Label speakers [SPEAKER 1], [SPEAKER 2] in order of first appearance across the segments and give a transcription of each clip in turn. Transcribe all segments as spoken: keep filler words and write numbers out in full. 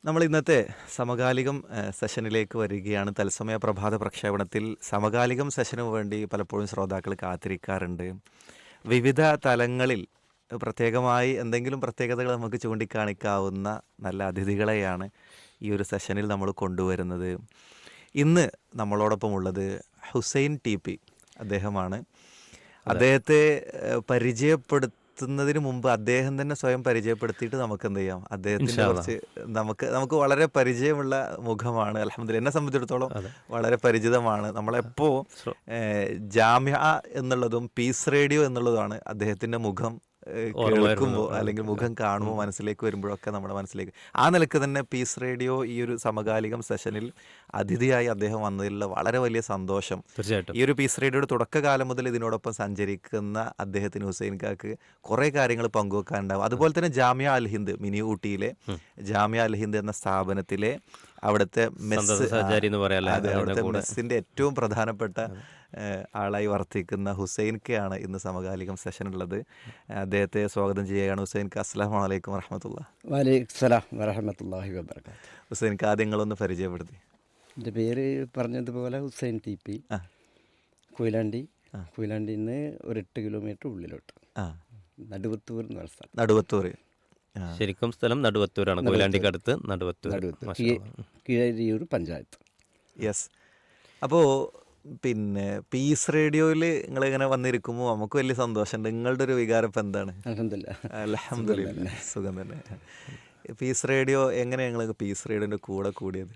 [SPEAKER 1] നമ്മൾ ഇന്നത്തെ സമകാലികം ഏഹ്, സെഷനിലേക്ക് വരികയാണ്. തത്സമയ പ്രഭാത പ്രക്ഷേപണത്തിൽ സമകാലികം സെഷനു വേണ്ടി പലപ്പോഴും ശ്രോതാക്കൾ കാത്തിരിക്കാറുണ്ട്. വിവിധ തലങ്ങളിൽ പ്രത്യേകമായി എന്തെങ്കിലും പ്രത്യേകതകൾ നമുക്ക് ചൂണ്ടിക്കാണിക്കാവുന്ന നല്ല അതിഥികളെയാണ് ഈ ഒരു സെഷനിൽ നമ്മൾ കൊണ്ടുവരുന്നത്. ഇന്ന് നമ്മളോടൊപ്പം ഉള്ളത് ഹുസൈൻ ടി പി അദ്ദേഹമാണ്. അദ്ദേഹത്തെ ഏഹ്, പരിചയപ്പെടുത്തുന്നതിന് മുമ്പ് അദ്ദേഹം തന്നെ സ്വയം പരിചയപ്പെടുത്തിയിട്ട് നമുക്ക് എന്ത് ചെയ്യാം, അദ്ദേഹത്തിന്റെ കുറച്ച് നമുക്ക് നമുക്ക് വളരെ പരിചയമുള്ള മുഖമാണ്. അൽഹംദുലില്ലാ, എന്നെ സംബന്ധിച്ചിടത്തോളം വളരെ പരിചിതമാണ്. നമ്മളെപ്പോ ഏഹ്, ജാമ്യ എന്നുള്ളതും പീസ് റേഡിയോ എന്നുള്ളതുമാണ് അദ്ദേഹത്തിന്റെ മുഖം ഏഹ്, കേൾക്കുമ്പോൾ അല്ലെങ്കിൽ മുഖം കാണുമ്പോൾ മനസ്സിലേക്ക് വരുമ്പോഴൊക്കെ നമ്മുടെ മനസ്സിലേക്ക് ആ നിലക്ക് തന്നെ പീസ് റേഡിയോ ഈ ഒരു സമകാലികം സെഷനിൽ അതിഥിയായി അദ്ദേഹം വന്നതിലുള്ള വളരെ വലിയ സന്തോഷം.
[SPEAKER 2] തീർച്ചയായിട്ടും
[SPEAKER 1] ഈ ഒരു പീസ് റേഡിയോയുടെ തുടക്കകാലം മുതൽ ഇതിനോടൊപ്പം സഞ്ചരിക്കുന്ന അദ്ദേഹത്തിന് ഹുസൈൻ കാക്ക് കുറേ കാര്യങ്ങൾ പങ്കുവെക്കാനുണ്ടാവും. അതുപോലെ തന്നെ ജാമ്യ അൽ ഹിന്ദ്, മിനി ഊട്ടിയിലെ ജാമ്യ അൽ ഹിന്ദ് എന്ന സ്ഥാപനത്തിലെ അവിടുത്തെ മെസ്സ്,
[SPEAKER 2] സഹചാരി എന്ന് പറയാല്ലേ,
[SPEAKER 1] അതെ, അവിടുത്തെ മെസ്സിന്റെ ഏറ്റവും പ്രധാനപ്പെട്ട ഏഹ്, ആളായി വർത്തിക്കുന്ന ഹുസൈൻ കെയാണ് ഇന്ന് സമകാലികം സെഷനുള്ളത്. അദ്ദേഹത്തെ സ്വാഗതം ചെയ്യുകയാണ്. ഹുസൈൻ ക, അസ്സലാമു അലൈക്കും വറഹ്മത്തുള്ളാഹി.
[SPEAKER 3] വലൈക്കും സലാം വറഹമത്തല്ലാഹി വബർക്കാത്തു.
[SPEAKER 1] ഹുസൈൻ ക, ആദ്യങ്ങളൊന്ന് പരിചയപ്പെടുത്തി.
[SPEAKER 3] എൻ്റെ പേര് പറഞ്ഞതുപോലെ ഹുസൈൻ ടി പി,
[SPEAKER 1] ആ
[SPEAKER 3] കൊയിലാണ്ടി. കൊയിലാണ്ടിയിൽ നിന്ന് ഒരു എട്ട് കിലോമീറ്റർ ഉള്ളിലോട്ട്
[SPEAKER 1] ആ
[SPEAKER 3] നടുവത്തൂർ എന്ന് പറഞ്ഞ സ്ഥലം.
[SPEAKER 1] നടുവത്തൂർ. ആ
[SPEAKER 2] ശരിക്കും സ്ഥലം നടുവത്തൂരാണ്, കൊയിലാണ്ടിക്ക് അടുത്ത് നടുവത്തൂർ.
[SPEAKER 3] നടുവത്തൂർ
[SPEAKER 2] മാഷാ
[SPEAKER 3] കീ-
[SPEAKER 2] അല്ലാ.
[SPEAKER 3] കീഴരിയൂർ പഞ്ചായത്ത്.
[SPEAKER 1] യെസ്. അപ്പോൾ പിന്നെ പീസ് റേഡിയോയിൽ നിങ്ങളിങ്ങനെ വന്നിരിക്കുമ്പോൾ നമുക്ക് വലിയ സന്തോഷമുണ്ട്. നിങ്ങളുടെ ഒരു വികാരം ഇപ്പം എന്താണ്?
[SPEAKER 3] അൽഹംദുലില്ലാ.
[SPEAKER 1] അൽഹംദുലില്ലാ, സുഖം തന്നെ. പീസ് റേഡിയോ എങ്ങനെ ഞങ്ങൾ പീസ് റേഡിയോൻ്റെ കൂടെ കൂടിയത്?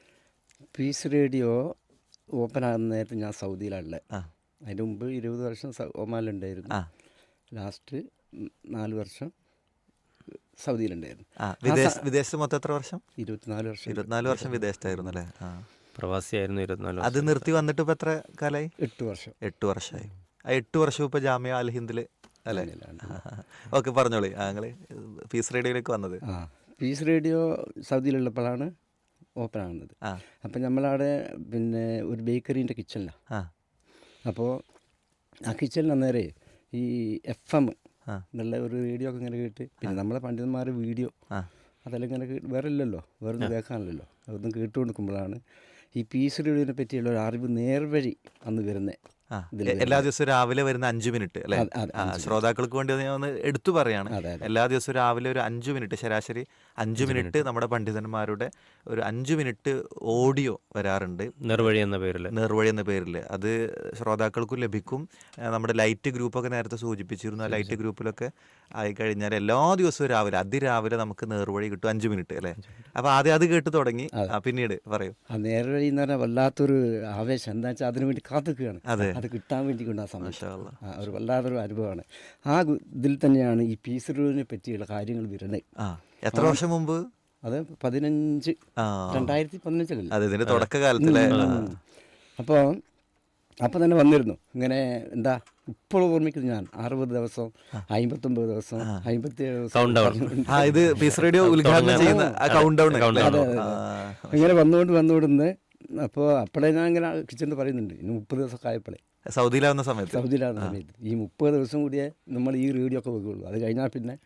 [SPEAKER 3] പീസ് റേഡിയോ ഓപ്പൺ ആകുന്ന നേരത്ത് ഞാൻ സൗദിയിലാണുള്ളത്.
[SPEAKER 1] ആ
[SPEAKER 3] അതിൻ്റെ മുമ്പ് ഇരുപത് വർഷം സ- ഒമാനിലുണ്ടായിരുന്നു.
[SPEAKER 1] ആ
[SPEAKER 3] ലാസ്റ്റ് ഉം, നാല് വർഷം സൗദിയിലുണ്ടായിരുന്നു.
[SPEAKER 1] ആ വിദേശ വിദേശത്ത് മൊത്തം എത്ര വർഷം?
[SPEAKER 3] ഇരുപത്തിനാല് വർഷം
[SPEAKER 1] ഇരുപത്തിനാല് വർഷം വിദേശത്തായിരുന്നു അല്ലേ? ആ
[SPEAKER 2] പ്രവാസിയായിരുന്നു ഇരുപത്തിനാല്
[SPEAKER 1] അത്
[SPEAKER 2] വർഷം.
[SPEAKER 1] നിർത്തി വന്നിട്ട് ഇപ്പം എത്ര കാലമായി?
[SPEAKER 3] എട്ട് വർഷം
[SPEAKER 1] എട്ട് വർഷമായി. ആ എട്ട് വർഷം ഇപ്പോൾ ജാമ്യ അൽ ഹിന്ദിൽ അല്ലേ? ഓക്കെ, പറഞ്ഞോളി. ആ നിങ്ങൾ പീസ് റേഡിയോയിലേക്ക് വന്നത്.
[SPEAKER 3] ആ പീസ് റേഡിയോ സൗദിയിലുള്ളപ്പോഴാണ് ഓപ്പൺ ആകുന്നത്.
[SPEAKER 1] ആ
[SPEAKER 3] അപ്പം നമ്മളവിടെ പിന്നെ ഒരു ബേക്കറീൻ്റെ കിച്ചണിലാണ്.
[SPEAKER 1] ആ
[SPEAKER 3] അപ്പോൾ ആ കിച്ചണിൽ അന്നേരം ഈ എഫ് എം
[SPEAKER 1] ആ
[SPEAKER 3] എന്നുള്ള ഒരു റേഡിയോ ഒക്കെ ഇങ്ങനെ കേട്ട്, പിന്നെ നമ്മളെ പണ്ഡിതന്മാർ വീഡിയോ
[SPEAKER 1] ആ
[SPEAKER 3] അതെല്ലാം ഇങ്ങനെ കേട്ട്, വേറെ ഇല്ലല്ലോ, വേറെ ഒന്നും കേൾക്കാനില്ലല്ലോ, അതൊന്നും കേട്ടുകൊടുക്കുമ്പോഴാണ് ഈ പീസ് റേഡിയോനെ പറ്റിയുള്ള ഒരു അറിവ് നേർവഴി അന്ന് വരുന്നത്.
[SPEAKER 1] ആ എ- എല്ലാ ദിവസവും രാവിലെ വരുന്ന അഞ്ചു മിനിറ്റ് അല്ലേ?
[SPEAKER 3] അതെ, അതെ,
[SPEAKER 1] ആ ശ്രോതാക്കൾക്ക് വേണ്ടി ഒന്ന് ഞാൻ ഒന്ന് എടുത്തു പറയാണ്.
[SPEAKER 3] അതെ, അതെ.
[SPEAKER 1] എല്ലാ ദിവസവും രാവിലെ ഒരു അഞ്ചു മിനിറ്റ്, ശരാശരി അഞ്ചു മിനിറ്റ് നമ്മുടെ പണ്ഡിതന്മാരുടെ ഒരു അഞ്ചു മിനിറ്റ് ഓഡിയോ വരാറുണ്ട്
[SPEAKER 2] നിർവഴി എന്ന പേരിൽ.
[SPEAKER 1] നേർവഴി എന്ന പേരിൽ. അത് ശ്രോതാക്കൾക്കും ലഭിക്കും. ആ, നമ്മുടെ ലൈറ്റ് ഗ്രൂപ്പൊക്കെ നേരത്തെ സൂചിപ്പിച്ചിരുന്നു. ആ ലൈറ്റ് ഗ്രൂപ്പിലൊക്കെ ആയിക്കഴിഞ്ഞാൽ എല്ലാ ദിവസവും രാവിലെ അതിരാവിലെ നമുക്ക് നേർവഴി കിട്ടും, അഞ്ചു മിനിറ്റ് അല്ലേ? അപ്പോൾ ആദ്യം അത് കേട്ട് തുടങ്ങി. ആ, പിന്നീട് പറയൂ.
[SPEAKER 3] ആ നേർവഴി എന്ന് പറഞ്ഞാൽ വല്ലാത്തൊരു ആവേശം. എന്താ വെച്ചാൽ അതിനു വേണ്ടി കാത്തുക്കുകയാണ്,
[SPEAKER 1] അതെ.
[SPEAKER 3] അത് കിട്ടാൻ വേണ്ടി കൊണ്ട് ആ സമയം
[SPEAKER 1] മാഷാ അല്ലാ.
[SPEAKER 3] ആ, ഒരു വല്ലാത്തൊരു അനുഭവമാണ്. ആ ഗു- ഇതിൽ തന്നെയാണ് ഈ പീസ് റേഡിയോനെ പറ്റിയുള്ള കാര്യങ്ങൾ വരുന്നത്.
[SPEAKER 1] ആ എത്ര വർഷം മുമ്പ്?
[SPEAKER 3] അത് പതിനഞ്ച്
[SPEAKER 1] ആ
[SPEAKER 3] രണ്ടായിരത്തി പതിനഞ്ചിലല്ലേ.
[SPEAKER 1] അതെ, ഇതിന്റെ തുടക്കകാലത്തിലെ. ആ.
[SPEAKER 3] അപ്പോൾ അപ്പോൾ തന്നെ വന്നിരുന്നു ഇങ്ങനെ. എന്താ ഇപ്പോൾ ഓർമ്മിക്കുന്നത് ഞാൻ അറുപത് ദിവസം, അമ്പത്തൊമ്പത് ദിവസം, അമ്പത്തിയേഴ്
[SPEAKER 2] Count down.
[SPEAKER 3] ദിവസം
[SPEAKER 1] ആ ഇത് പീസ് റേഡിയോ ഉദ്ഘാടനം ചെയ്യുന്ന ആ കൗണ്ട് ഡൗൺ.
[SPEAKER 2] Count down.
[SPEAKER 3] ഇങ്ങനെ വന്നുകൊണ്ട് വന്നുകൊണ്ടിരുന്ന്. അപ്പോൾ അപ്പോഴേ ഞാൻ ഇങ്ങനെ കിച്ചണിൽ പറയുന്നുണ്ട്, ഇനി മുപ്പത് ദിവസമൊക്കെ ആയപ്പോഴേ
[SPEAKER 1] സൗദിയിലാവുന്ന സമയത്ത്.
[SPEAKER 3] സൗദിയിലാകുന്ന സമയത്ത് ഈ മുപ്പത് ദിവസം കൂടിയേ നമ്മൾ ഈ റേഡിയോ ഒക്കെ വെക്കുകയുള്ളൂ. അത് കഴിഞ്ഞാൽ പിന്നെ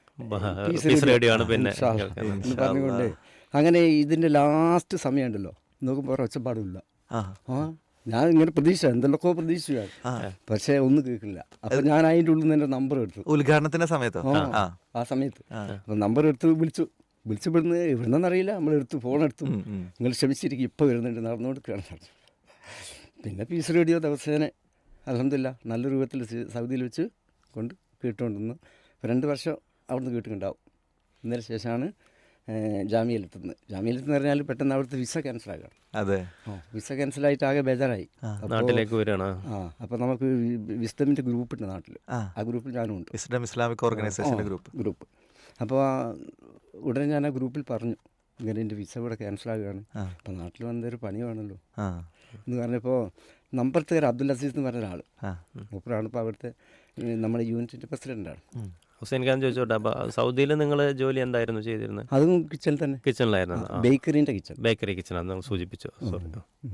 [SPEAKER 2] പീസ് റേഡിയോ ആണ് പിന്നെ
[SPEAKER 3] ഇൻഷാ അല്ലാ എന്ന് പറഞ്ഞുകൊണ്ട് അങ്ങനെ ഇതിൻ്റെ ലാസ്റ്റ് സമയം ഉണ്ടല്ലോ, നോക്കുമ്പോൾ ഒച്ചപ്പാടില്ല.
[SPEAKER 1] ആ
[SPEAKER 3] ആ ഞാൻ ഇങ്ങനെ പ്രതീക്ഷ എന്തെല്ലൊക്കെ പ്രതീക്ഷിച്ചാണ്, പക്ഷേ ഒന്നും കേൾക്കില്ല. അപ്പം ഞാൻ അതിൻ്റെ ഉള്ളിൽ നിന്ന് എൻ്റെ നമ്പർ എടുത്തു.
[SPEAKER 1] ഉദ്ഘാടനത്തിന്റെ സമയത്തോ?
[SPEAKER 3] ആ
[SPEAKER 1] ആ
[SPEAKER 3] ആ സമയത്ത് അപ്പം നമ്പർ എടുത്ത് വിളിച്ചു. വിളിച്ചു ഇവിടുന്ന് ഇവിടുന്നറിയില്ല, നമ്മളെടുത്ത് ഫോൺ എടുത്തു. നിങ്ങൾ ക്ഷമിച്ചിരിക്കും, ഇപ്പോൾ വരുന്നുണ്ട്, നടന്നുകൊടുക്കുകയാണ് പറഞ്ഞു. പിന്നെ പീസ് റേഡിയോ ദിവസേന അൽഹംദുലില്ലാ നല്ല രൂപത്തിൽ സി- സൗദിയിൽ വെച്ച് കൊണ്ട് കേട്ടുകൊണ്ടിരുന്നു. രണ്ട് വർഷം അവിടുന്ന് കേട്ടുണ്ടാവും. ഇതിന് ശേഷമാണ് ജാമ്യയിലെത്തുന്നത്. ജാമ്യയിലെത്തുന്ന പറഞ്ഞാൽ പെട്ടെന്ന് അവിടുത്തെ വിസ ക്യാൻസലാക്കണം.
[SPEAKER 1] അതെ.
[SPEAKER 3] ആ വിസ ക്യാൻസലായിട്ട് ആകെ ബേജാറായി.
[SPEAKER 2] നാട്ടിലേക്ക് വരികയാണ്.
[SPEAKER 3] ആ അപ്പോൾ നമുക്ക് വിസ്തമിൻ്റെ ഗ്രൂപ്പുണ്ട് നാട്ടിൽ.
[SPEAKER 1] ആ
[SPEAKER 3] ആ ഗ്രൂപ്പിൽ ഞാനും ഉണ്ട്,
[SPEAKER 1] ഇസ്ലാം ഇസ്ലാമിക് ഓർഗനൈസേഷന്റെ ഗ്രൂപ്പ്.
[SPEAKER 3] ഗ്രൂപ്പ്. അപ്പോൾ ഉടനെ ഞാൻ ആ ഗ്രൂപ്പിൽ പറഞ്ഞു, ഇങ്ങനെ എൻ്റെ വിസ ഇവിടെ ക്യാൻസലാകുകയാണ്, അപ്പോൾ നാട്ടിൽ വന്നൊരു പണി വേണമല്ലോ
[SPEAKER 1] ആ
[SPEAKER 3] എന്ന് പറഞ്ഞപ്പോൾ നമ്പർത്തേർ അബ്ദുൽ അസീസ് എന്ന് പറഞ്ഞ ഒരാൾ,
[SPEAKER 1] ആ
[SPEAKER 3] മൂപ്പറാണ് ഇപ്പോൾ അവിടുത്തെ ഏഹ്, നമ്മുടെ യൂണിറ്റിൻ്റെ പ്രസിഡൻ്റാണ്.
[SPEAKER 2] ഹുസൈൻ ഖാൻ ചോദിച്ചോട്ടെ, അപ്പൊ സൗദിയിൽ നിങ്ങൾ ജോലി എന്തായിരുന്നു ചെയ്തിരുന്നത്?
[SPEAKER 3] അതും കിച്ചണിൽ തന്നെ,
[SPEAKER 2] കിച്ചണിലായിരുന്നു.
[SPEAKER 3] ബേക്കറീൻ്റെ കിച്ചൺ.
[SPEAKER 2] ബേക്കറി കിച്ചണാണ് നിങ്ങൾ സൂചിപ്പിച്ചു. സോറി.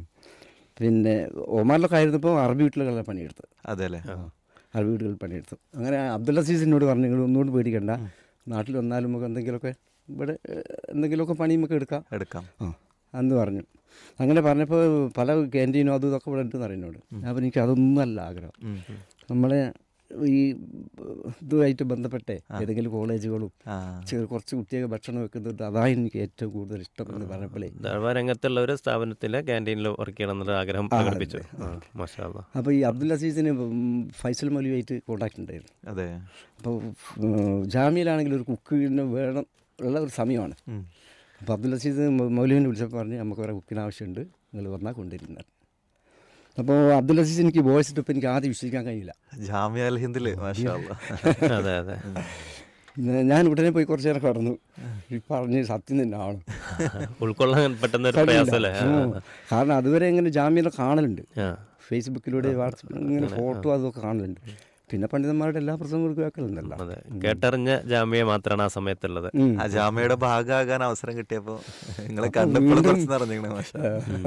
[SPEAKER 3] പിന്നെ ഒമാനിലൊക്കെ ആയിരുന്നപ്പോൾ അറബി വീട്ടിലൊക്കെ പണിയെടുത്തത്.
[SPEAKER 1] അതെ അല്ലേ?
[SPEAKER 3] അറബി വീടുകളിൽ പണിയെടുത്തു. അങ്ങനെ അബ്ദുൽ അസീസിനോട് പറഞ്ഞു, നിങ്ങൾ ഒന്നുകൊണ്ട് പേടിക്കണ്ട, നാട്ടിൽ വന്നാലും നമുക്ക് എന്തെങ്കിലുമൊക്കെ ഇവിടെ ഏഹ്, എന്തെങ്കിലുമൊക്കെ പണി നമുക്ക് എടുക്കാം
[SPEAKER 1] എടുക്കാം.
[SPEAKER 3] ആ എന്ന് പറഞ്ഞു. അങ്ങനെ പറഞ്ഞപ്പോൾ പല ക്യാൻറ്റീനും അതും ഇതൊക്കെ ഇവിടെ ഉണ്ടെന്ന് അറിയുന്നോട്. അപ്പോൾ എനിക്ക് അതൊന്നും അല്ല ആഗ്രഹം.
[SPEAKER 1] ഉം.
[SPEAKER 3] നമ്മളെ ഈ ഇതുമായിട്ട് ബന്ധപ്പെട്ടേ ഏതെങ്കിലും കോളേജുകളും
[SPEAKER 1] ആ.
[SPEAKER 3] ചെറു കുറച്ച് കുട്ടിയൊക്കെ ഭക്ഷണം വെക്കുന്നുണ്ട്, അതാണ് എനിക്ക് ഏറ്റവും കൂടുതൽ ഇഷ്ടം എന്ന് പറഞ്ഞപ്പോഴേ.
[SPEAKER 2] ദഴവ രംഗത്തുള്ള ഒരു സ്ഥാപനത്തിലെ ക്യാൻറ്റീനിൽ വർക്ക് ചെയ്യണം എന്നുള്ള ആഗ്രഹം പ്രകടിപ്പിച്ചു. മാഷാ അല്ലാ.
[SPEAKER 3] അപ്പോൾ ഈ അബ്ദുൽ അസീസിന് ഫൈസൽ മൗലവിയായിട്ട് കോൺടാക്ട് ഉണ്ടായിരുന്നു.
[SPEAKER 1] അതെ.
[SPEAKER 3] അപ്പോൾ ജാമ്യയിലാണെങ്കിൽ ഒരു കുക്കിന് വേണം ഉള്ള ഒരു സമയമാണ്.
[SPEAKER 1] ഉം.
[SPEAKER 3] അപ്പോൾ അബ്ദുൽ അസീസ് മൗലവിനെ വിളിച്ചപ്പോൾ പറഞ്ഞ് നമുക്ക് വേറെ കുക്കിന് ആവശ്യമുണ്ട്, നിങ്ങൾ വന്നാൽ കൊണ്ടുവരുന്നത്. അപ്പോൾ അബ്ദുൽ അസീസ് എനിക്ക് വോയിസ് ഇട്ടപ്പോൾ എനിക്ക് ആദ്യം വിശ്വസിക്കാൻ കഴിയില്ല.
[SPEAKER 1] ജാമ്യ അൽ ഹിന്ദില് മാഷാ അല്ലാ.
[SPEAKER 2] അതെ അതെ.
[SPEAKER 3] ഞാൻ- ഞാൻ ഉടനെ പോയി കുറച്ച് നേരം കടന്നു. ഈ പറഞ്ഞ് സത്യം തന്നെയാണ്.
[SPEAKER 2] ഉൾക്കൊള്ളാൻ പെട്ടെന്ന് ഒരു പ്രയാസമല്ലേ?
[SPEAKER 3] ഉം. കാരണം അതുവരെ ഇങ്ങനെ ജാമ്യം കാണലുണ്ട്,
[SPEAKER 2] ആ
[SPEAKER 3] ഫേസ്ബുക്കിലൂടെ വാട്സപ്പിൽ ഇങ്ങനെ ഫോട്ടോ അതൊക്കെ കാണലുണ്ട്. പിന്നെ പണ്ഡിതന്മാരുടെ എല്ലാ പ്രസംഗങ്ങളും കേൾക്കലുണ്ടല്ലോ.
[SPEAKER 2] അതെ, കേട്ടറിഞ്ഞ ജാമ്യ മാത്രമാണ് ആ സമയത്തുള്ളത്.
[SPEAKER 3] ഉം.
[SPEAKER 1] ആ ജാമ്യയുടെ ഭാഗമാകാൻ അവസരം കിട്ടിയപ്പോൾ നിങ്ങളെ കണ്ടപ്പോൾ കുറച്ച് നിറഞ്ഞിങ്ങനെ മാഷാ.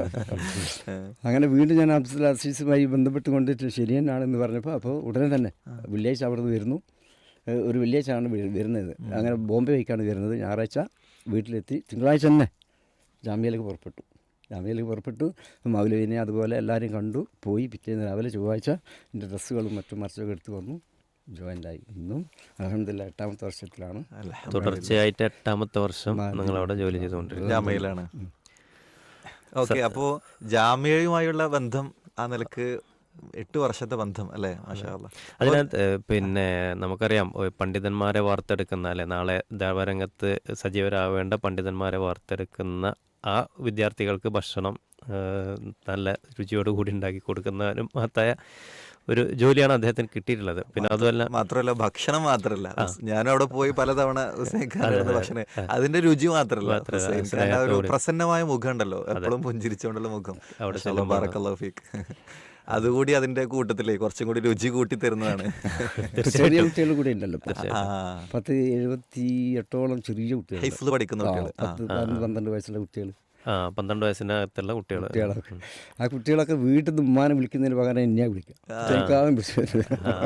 [SPEAKER 3] അങ്ങനെ വീണ്ടും ഞാൻ അബ്ദുൽ അസീസുമായി ബന്ധപ്പെട്ട് കൊണ്ടിട്ട് ശരി തന്നെയാണെന്ന് പറഞ്ഞപ്പോൾ അപ്പോൾ ഉടനെ തന്നെ വെള്ളിയാഴ്ച അവിടെ നിന്ന് വരുന്നു. ഏഹ് ഒരു വെള്ളിയാഴ്ചയാണ് വരു- വരുന്നത്. അങ്ങനെ ബോംബെ വയ്ക്കാണ് വരുന്നത്. ഞായറാഴ്ച വീട്ടിലെത്തി തിങ്കളാഴ്ച തന്നെ ജാമ്യയിലേക്ക് പുറപ്പെട്ടു. ജാമ്യയിലേക്ക് പുറപ്പെട്ടു. മൗലവിനെ അതുപോലെ എല്ലാവരെയും കണ്ടു പോയി. പിറ്റേന്ന് രാവിലെ ചൊവ്വാഴ്ച എൻ്റെ ഡ്രസ്സുകളും മറ്റും മറിച്ചൊക്കെ എടുത്ത് വന്നു, ജോയിൻ്റായി. ഇന്നും അൽഹംദുലില്ലാ എട്ടാമത്തെ വർഷത്തിലാണ്.
[SPEAKER 2] തുടർച്ചയായിട്ട് എട്ടാമത്തെ വർഷം നിങ്ങൾ അവിടെ ജോലി ചെയ്തുകൊണ്ടിരിക്കുന്നത്.
[SPEAKER 1] ജാമ്യയിലാണ്. ഓക്കെ. അപ്പോൾ ജാമ്യയുമായുള്ള ബന്ധം ആ നിലക്ക് എട്ട് വർഷത്തെ ബന്ധം അല്ലേ? മാഷാ അല്ലാ.
[SPEAKER 2] അതിനകത്ത് ഏഹ്, പിന്നെ നമുക്കറിയാം ഏഹ്, പണ്ഡിതന്മാരെ വാർത്തെടുക്കുന്ന അല്ലെ നാളെ ദേവരംഗത്ത് സജീവരാവേണ്ട പണ്ഡിതന്മാരെ വാർത്തെടുക്കുന്ന ആ വിദ്യാർത്ഥികൾക്ക് ഭക്ഷണം ഏഹ്, നല്ല രുചിയോടുകൂടി ഉണ്ടാക്കി കൊടുക്കുന്നതിനും മഹത്തായ ഒരു ജോലിയാണ് അദ്ദേഹത്തിന് കിട്ടിയിട്ടുള്ളത്. പിന്നെ അതുമല്ല
[SPEAKER 1] മാത്രമല്ല ഭക്ഷണം മാത്രമല്ല, ഞാനും അവിടെ പോയി പലതവണ ഹുസൈൻ ഖാന്റെ ഭക്ഷണം അതിന്റെ രുചി മാത്രമല്ല, ഹുസൈൻ ഖാന്റെ ആ ഒരു പ്രസന്നമായ മുഖം ഉണ്ടല്ലോ, എപ്പോഴും പുഞ്ചിരിച്ചുകൊണ്ടുള്ള മുഖം. മാഷാ ബാറക്കല്ലാഹു ഫീക്ക്. അതുകൂടി അതിന്റെ കൂട്ടത്തിലേ കുറച്ചും കൂടി രുചി കൂട്ടി തരുന്നതാണ്.
[SPEAKER 3] ചെറിയ കുട്ടികൾ കൂടെ ഉണ്ടല്ലോ ഇപ്പോൾ.
[SPEAKER 1] ആ.
[SPEAKER 3] പത്ത് എഴുപത്തി എട്ടോളം ചെറിയ കുട്ടികൾ,
[SPEAKER 1] ഹിഫ്ള് പഠിക്കുന്ന കുട്ടികൾ.
[SPEAKER 3] പത്ത് പതിനൊന്ന് പന്ത്രണ്ട് വയസ്സുള്ള കുട്ടികൾ
[SPEAKER 2] ആ പന്ത്രണ്ട് വയസ്സിനകത്തുള്ള കുട്ടികൾ
[SPEAKER 3] കുട്ടികളൊക്കെ ആ കുട്ടികളൊക്കെ വീട്ടിൽ നിന്ന് ഉമ്മാനെ വിളിക്കുന്നതിന് പകരം എന്നെയാ വിളിക്കുക. ചെറുക്കാതെ വിളിച്ചു.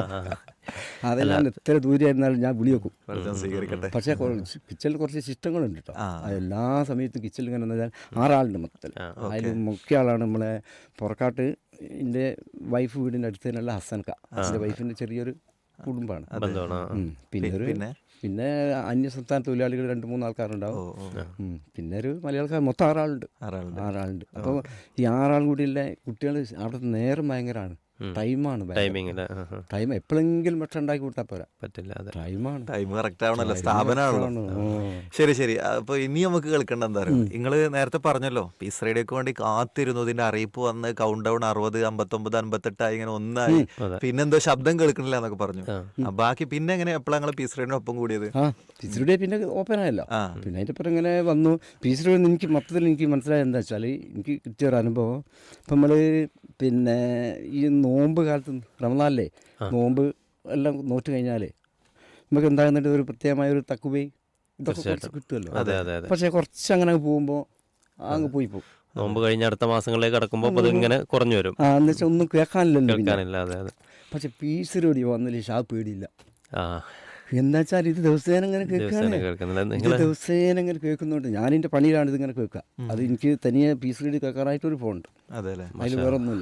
[SPEAKER 3] അതെല്ലാം എത്ര ദൂരെയായിരുന്നാലും ഞാൻ വിളി വെക്കും.
[SPEAKER 1] സ്വീകരിക്കട്ടെ.
[SPEAKER 3] പക്ഷേ കിച്ചണിൽ കുറച്ച് സിസ്റ്റങ്ങളുണ്ട് കേട്ടോ. എല്ലാ സമയത്തും കിച്ചണിൽ ഇങ്ങനെ വെച്ചാൽ ആറാളുണ്ട് മൊത്തത്തിൽ. അതിൽ മുഖ്യ ആളാണ് നമ്മളെ പുറക്കാട്ട് എൻ്റെ വൈഫ് വീടിൻ്റെ അടുത്ത് തന്നെയുള്ള ഹസൻക. എൻ്റെ വൈഫിൻ്റെ ചെറിയൊരു കുടുംബമാണ്. ഉം. പിന്നെ ഒരു പിന്നെ അന്യ സംസ്ഥാന തൊഴിലാളികൾ രണ്ട് മൂന്ന് ആൾക്കാരുണ്ടാവും. ഉം. പിന്നെ ഒരു മലയാളക്കാർ മൊത്തം ആറാളുണ്ട്. ആറാളുണ്ട്. അപ്പോൾ ഈ ആറാൾ കൂടിയുള്ള കുട്ടികൾ അവിടെ നേരം ഭയങ്കരമാണ്. ടൈമാണ്
[SPEAKER 2] ടൈമിങ്
[SPEAKER 3] ടൈം എപ്പോഴെങ്കിലും ഭക്ഷണം ഉണ്ടാക്കി കൊടുത്താൽ പോരാ,
[SPEAKER 2] പറ്റില്ല. അതെ,
[SPEAKER 3] ടൈമാണ്.
[SPEAKER 1] ടൈം കറക്റ്റ് ആവണല്ലോ, സ്ഥാപനമാണല്ലോ. ശരി ശരി. അപ്പൊ ഇനി നമുക്ക് കേൾക്കേണ്ട എന്താ പറയുക, നിങ്ങള് നേരത്തെ പറഞ്ഞല്ലോ പീസ് റേഡിയോക്ക് വേണ്ടി കാത്തിരുന്നു, ഇതിന്റെ അറിയിപ്പ് വന്ന് കൗണ്ട് ഡൗൺ അറുപത് അമ്പത്തൊമ്പത് അമ്പത്തെട്ടായി ഇങ്ങനെ ഒന്നായി, പിന്നെന്തോ ശബ്ദം കേൾക്കണില്ല എന്നൊക്കെ പറഞ്ഞു. ആ, ബാക്കി പിന്നെ എങ്ങനെ എപ്പോഴാണ് നിങ്ങൾ പീസ് റേഡിയോ ഒപ്പം കൂടിയത്?
[SPEAKER 3] ആ പീസ് റേഡിയോ പിന്നെ ഓപ്പൺ ആയല്ലോ. പിന്നെ അതിൻ്റെ അപ്പുറം ഇങ്ങനെ വന്നു. പീസ് റേഡിയോ എനിക്ക് മൊത്തത്തിൽ എനിക്ക് മനസ്സിലായത് എന്താ വെച്ചാൽ, എനിക്ക് കിട്ടിയൊരു അനുഭവം, ഇപ്പം നമ്മൾ പിന്നെ ഈ നോമ്പ് കാലത്ത് റമദാനിലെ നോമ്പ് എല്ലാം നോറ്റ് കഴിഞ്ഞാലേ നമുക്ക് എന്താകുന്നുണ്ട് ഒരു പ്രത്യേകമായ ഒരു തക്കുവേ ഇതൊക്കെ കുറച്ച് കിട്ടുമല്ലോ. പക്ഷേ കുറച്ച് അങ്ങനെ പോകുമ്പോൾ അങ്ങ് പോയി പോകും.
[SPEAKER 2] നോമ്പ് കഴിഞ്ഞ അടുത്ത മാസങ്ങളിലേക്ക് കടക്കുമ്പോൾ അത് ഇങ്ങനെ കുറഞ്ഞു വരും.
[SPEAKER 3] ആ എന്ന് വെച്ചാൽ ഒന്നും കേൾക്കാനില്ലല്ലോ.
[SPEAKER 2] കേൾക്കാനില്ല. അതെ അതെ.
[SPEAKER 3] പക്ഷെ പീസ് റേഡിയോ വന്നില്ല, ഷാ പേടിയില്ല.
[SPEAKER 2] ആ
[SPEAKER 3] എന്താ വെച്ചാൽ ഇത് ദിവസേന ഇങ്ങനെ കേൾക്കുകയാണ്. ഇത് ദിവസേന ഇങ്ങനെ കേൾക്കുന്നുണ്ട്. ഞാൻ എൻ്റെ പണിയിലാണ് ഇതിങ്ങനെ കേൾക്കുക. അത് എനിക്ക് തനിയെ പീസ് റേഡിയോ കേൾക്കാനായിട്ടൊരു ഫോൺ ഉണ്ട്. അതിൽ വേറെ ഒന്നുമില്ല.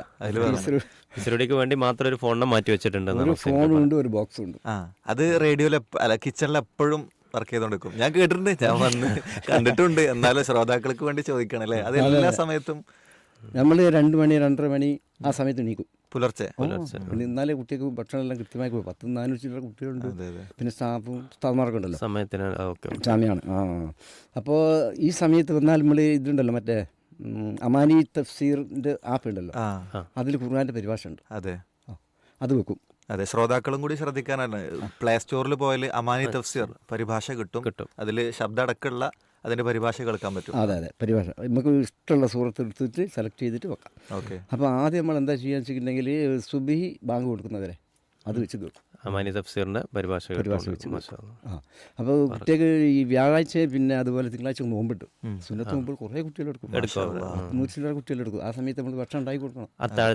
[SPEAKER 2] പീസ് വേണ്ടി മാത്രം ഒരു ഫോണിനെ മാറ്റി വെച്ചിട്ടുണ്ട്.
[SPEAKER 3] ഒരു ഫോണും ഉണ്ട്, ഒരു ബോക്സും ഉണ്ട്.
[SPEAKER 1] അത് റേഡിയോയിൽ അല്ല കിച്ചണിൽ എപ്പോഴും വർക്ക് ചെയ്തോണ്ടിരിക്കും. ഞാൻ കേട്ടിട്ടുണ്ട്, ഞാൻ വന്ന് കണ്ടിട്ടുണ്ട്. എന്നാലും ശ്രോതാക്കൾക്ക് വേണ്ടി ചോദിക്കണം അല്ലേ, അത് എല്ലാ സമയത്തും
[SPEAKER 3] നമ്മൾ രണ്ട് മണി രണ്ടര മണി ആ സമയത്ത് എണീക്കും,
[SPEAKER 1] പുലർച്ചെ.
[SPEAKER 3] പിന്നെ എന്നാലേ കുട്ടികൾക്ക് ഭക്ഷണം എല്ലാം കൃത്യമായി പോയി. പത്ത് നാനൂറ് ചില്ലറ കുട്ടികളുണ്ട്, പിന്നെ സ്റ്റാഫും സ്റ്റാഫ്മാർക്കും ഉണ്ടല്ലോ,
[SPEAKER 2] സമയത്തിന്
[SPEAKER 3] ജാമ്യമാണ്. ആ അപ്പോൾ ഈ സമയത്ത് വന്നാൽ നമ്മൾ ഇതുണ്ടല്ലോ, മറ്റേ അമാനി തഫ്സീറിൻ്റെ ആപ്പ് ഉണ്ടല്ലോ, അതിൽ ഖുർആൻ്റെ പരിഭാഷ ഉണ്ട്.
[SPEAKER 1] അതെ,
[SPEAKER 3] അത് വെക്കും.
[SPEAKER 1] അതെ, ശ്രോതാക്കളും കൂടി ശ്രദ്ധിക്കാനാണ്. പ്ലേ സ്റ്റോറിൽ പോയാൽ അമാനി തഫ്സീർ പരിഭാഷ കിട്ടും. കിട്ടും അതിൽ ശബ്ദ അടക്കമുള്ള അതിന്റെ പരിഭാഷ കേൾക്കാൻ പറ്റും.
[SPEAKER 3] അതെ അതെ, പരിഭാഷ നമുക്ക് ഇഷ്ടമുള്ള സൂറത്ത് എടുത്തിട്ട് സെലക്ട് ചെയ്തിട്ട് വെക്കാം.
[SPEAKER 1] ഓക്കെ. അപ്പോൾ
[SPEAKER 3] ആദ്യം നമ്മൾ എന്താ ചെയ്യാന്ന് വെച്ചിട്ടുണ്ടെങ്കിൽ സുബഹി ബാങ്ക് കൊടുക്കുന്നവരെ അത് വെച്ച് കേൾക്കും.
[SPEAKER 2] അമാനി തഫ്സീറിന്റെ പരിഭാഷ
[SPEAKER 3] പരിഭാഷ വെച്ച്. ആ അപ്പോൾ കുട്ടികൾക്ക് ഈ വ്യാഴാഴ്ച പിന്നെ അതുപോലെ തിങ്കളാഴ്ച നോമ്പിട്ട് സുന്നത്ത് മുമ്പ് കുറേ കുട്ടികളെടുക്കും, നൂറ്റി ചില്ലറ കുട്ടികളെടുക്കും. ആ സമയത്ത് നമ്മൾ ഭക്ഷണം ഉണ്ടാക്കി കൊടുക്കണം,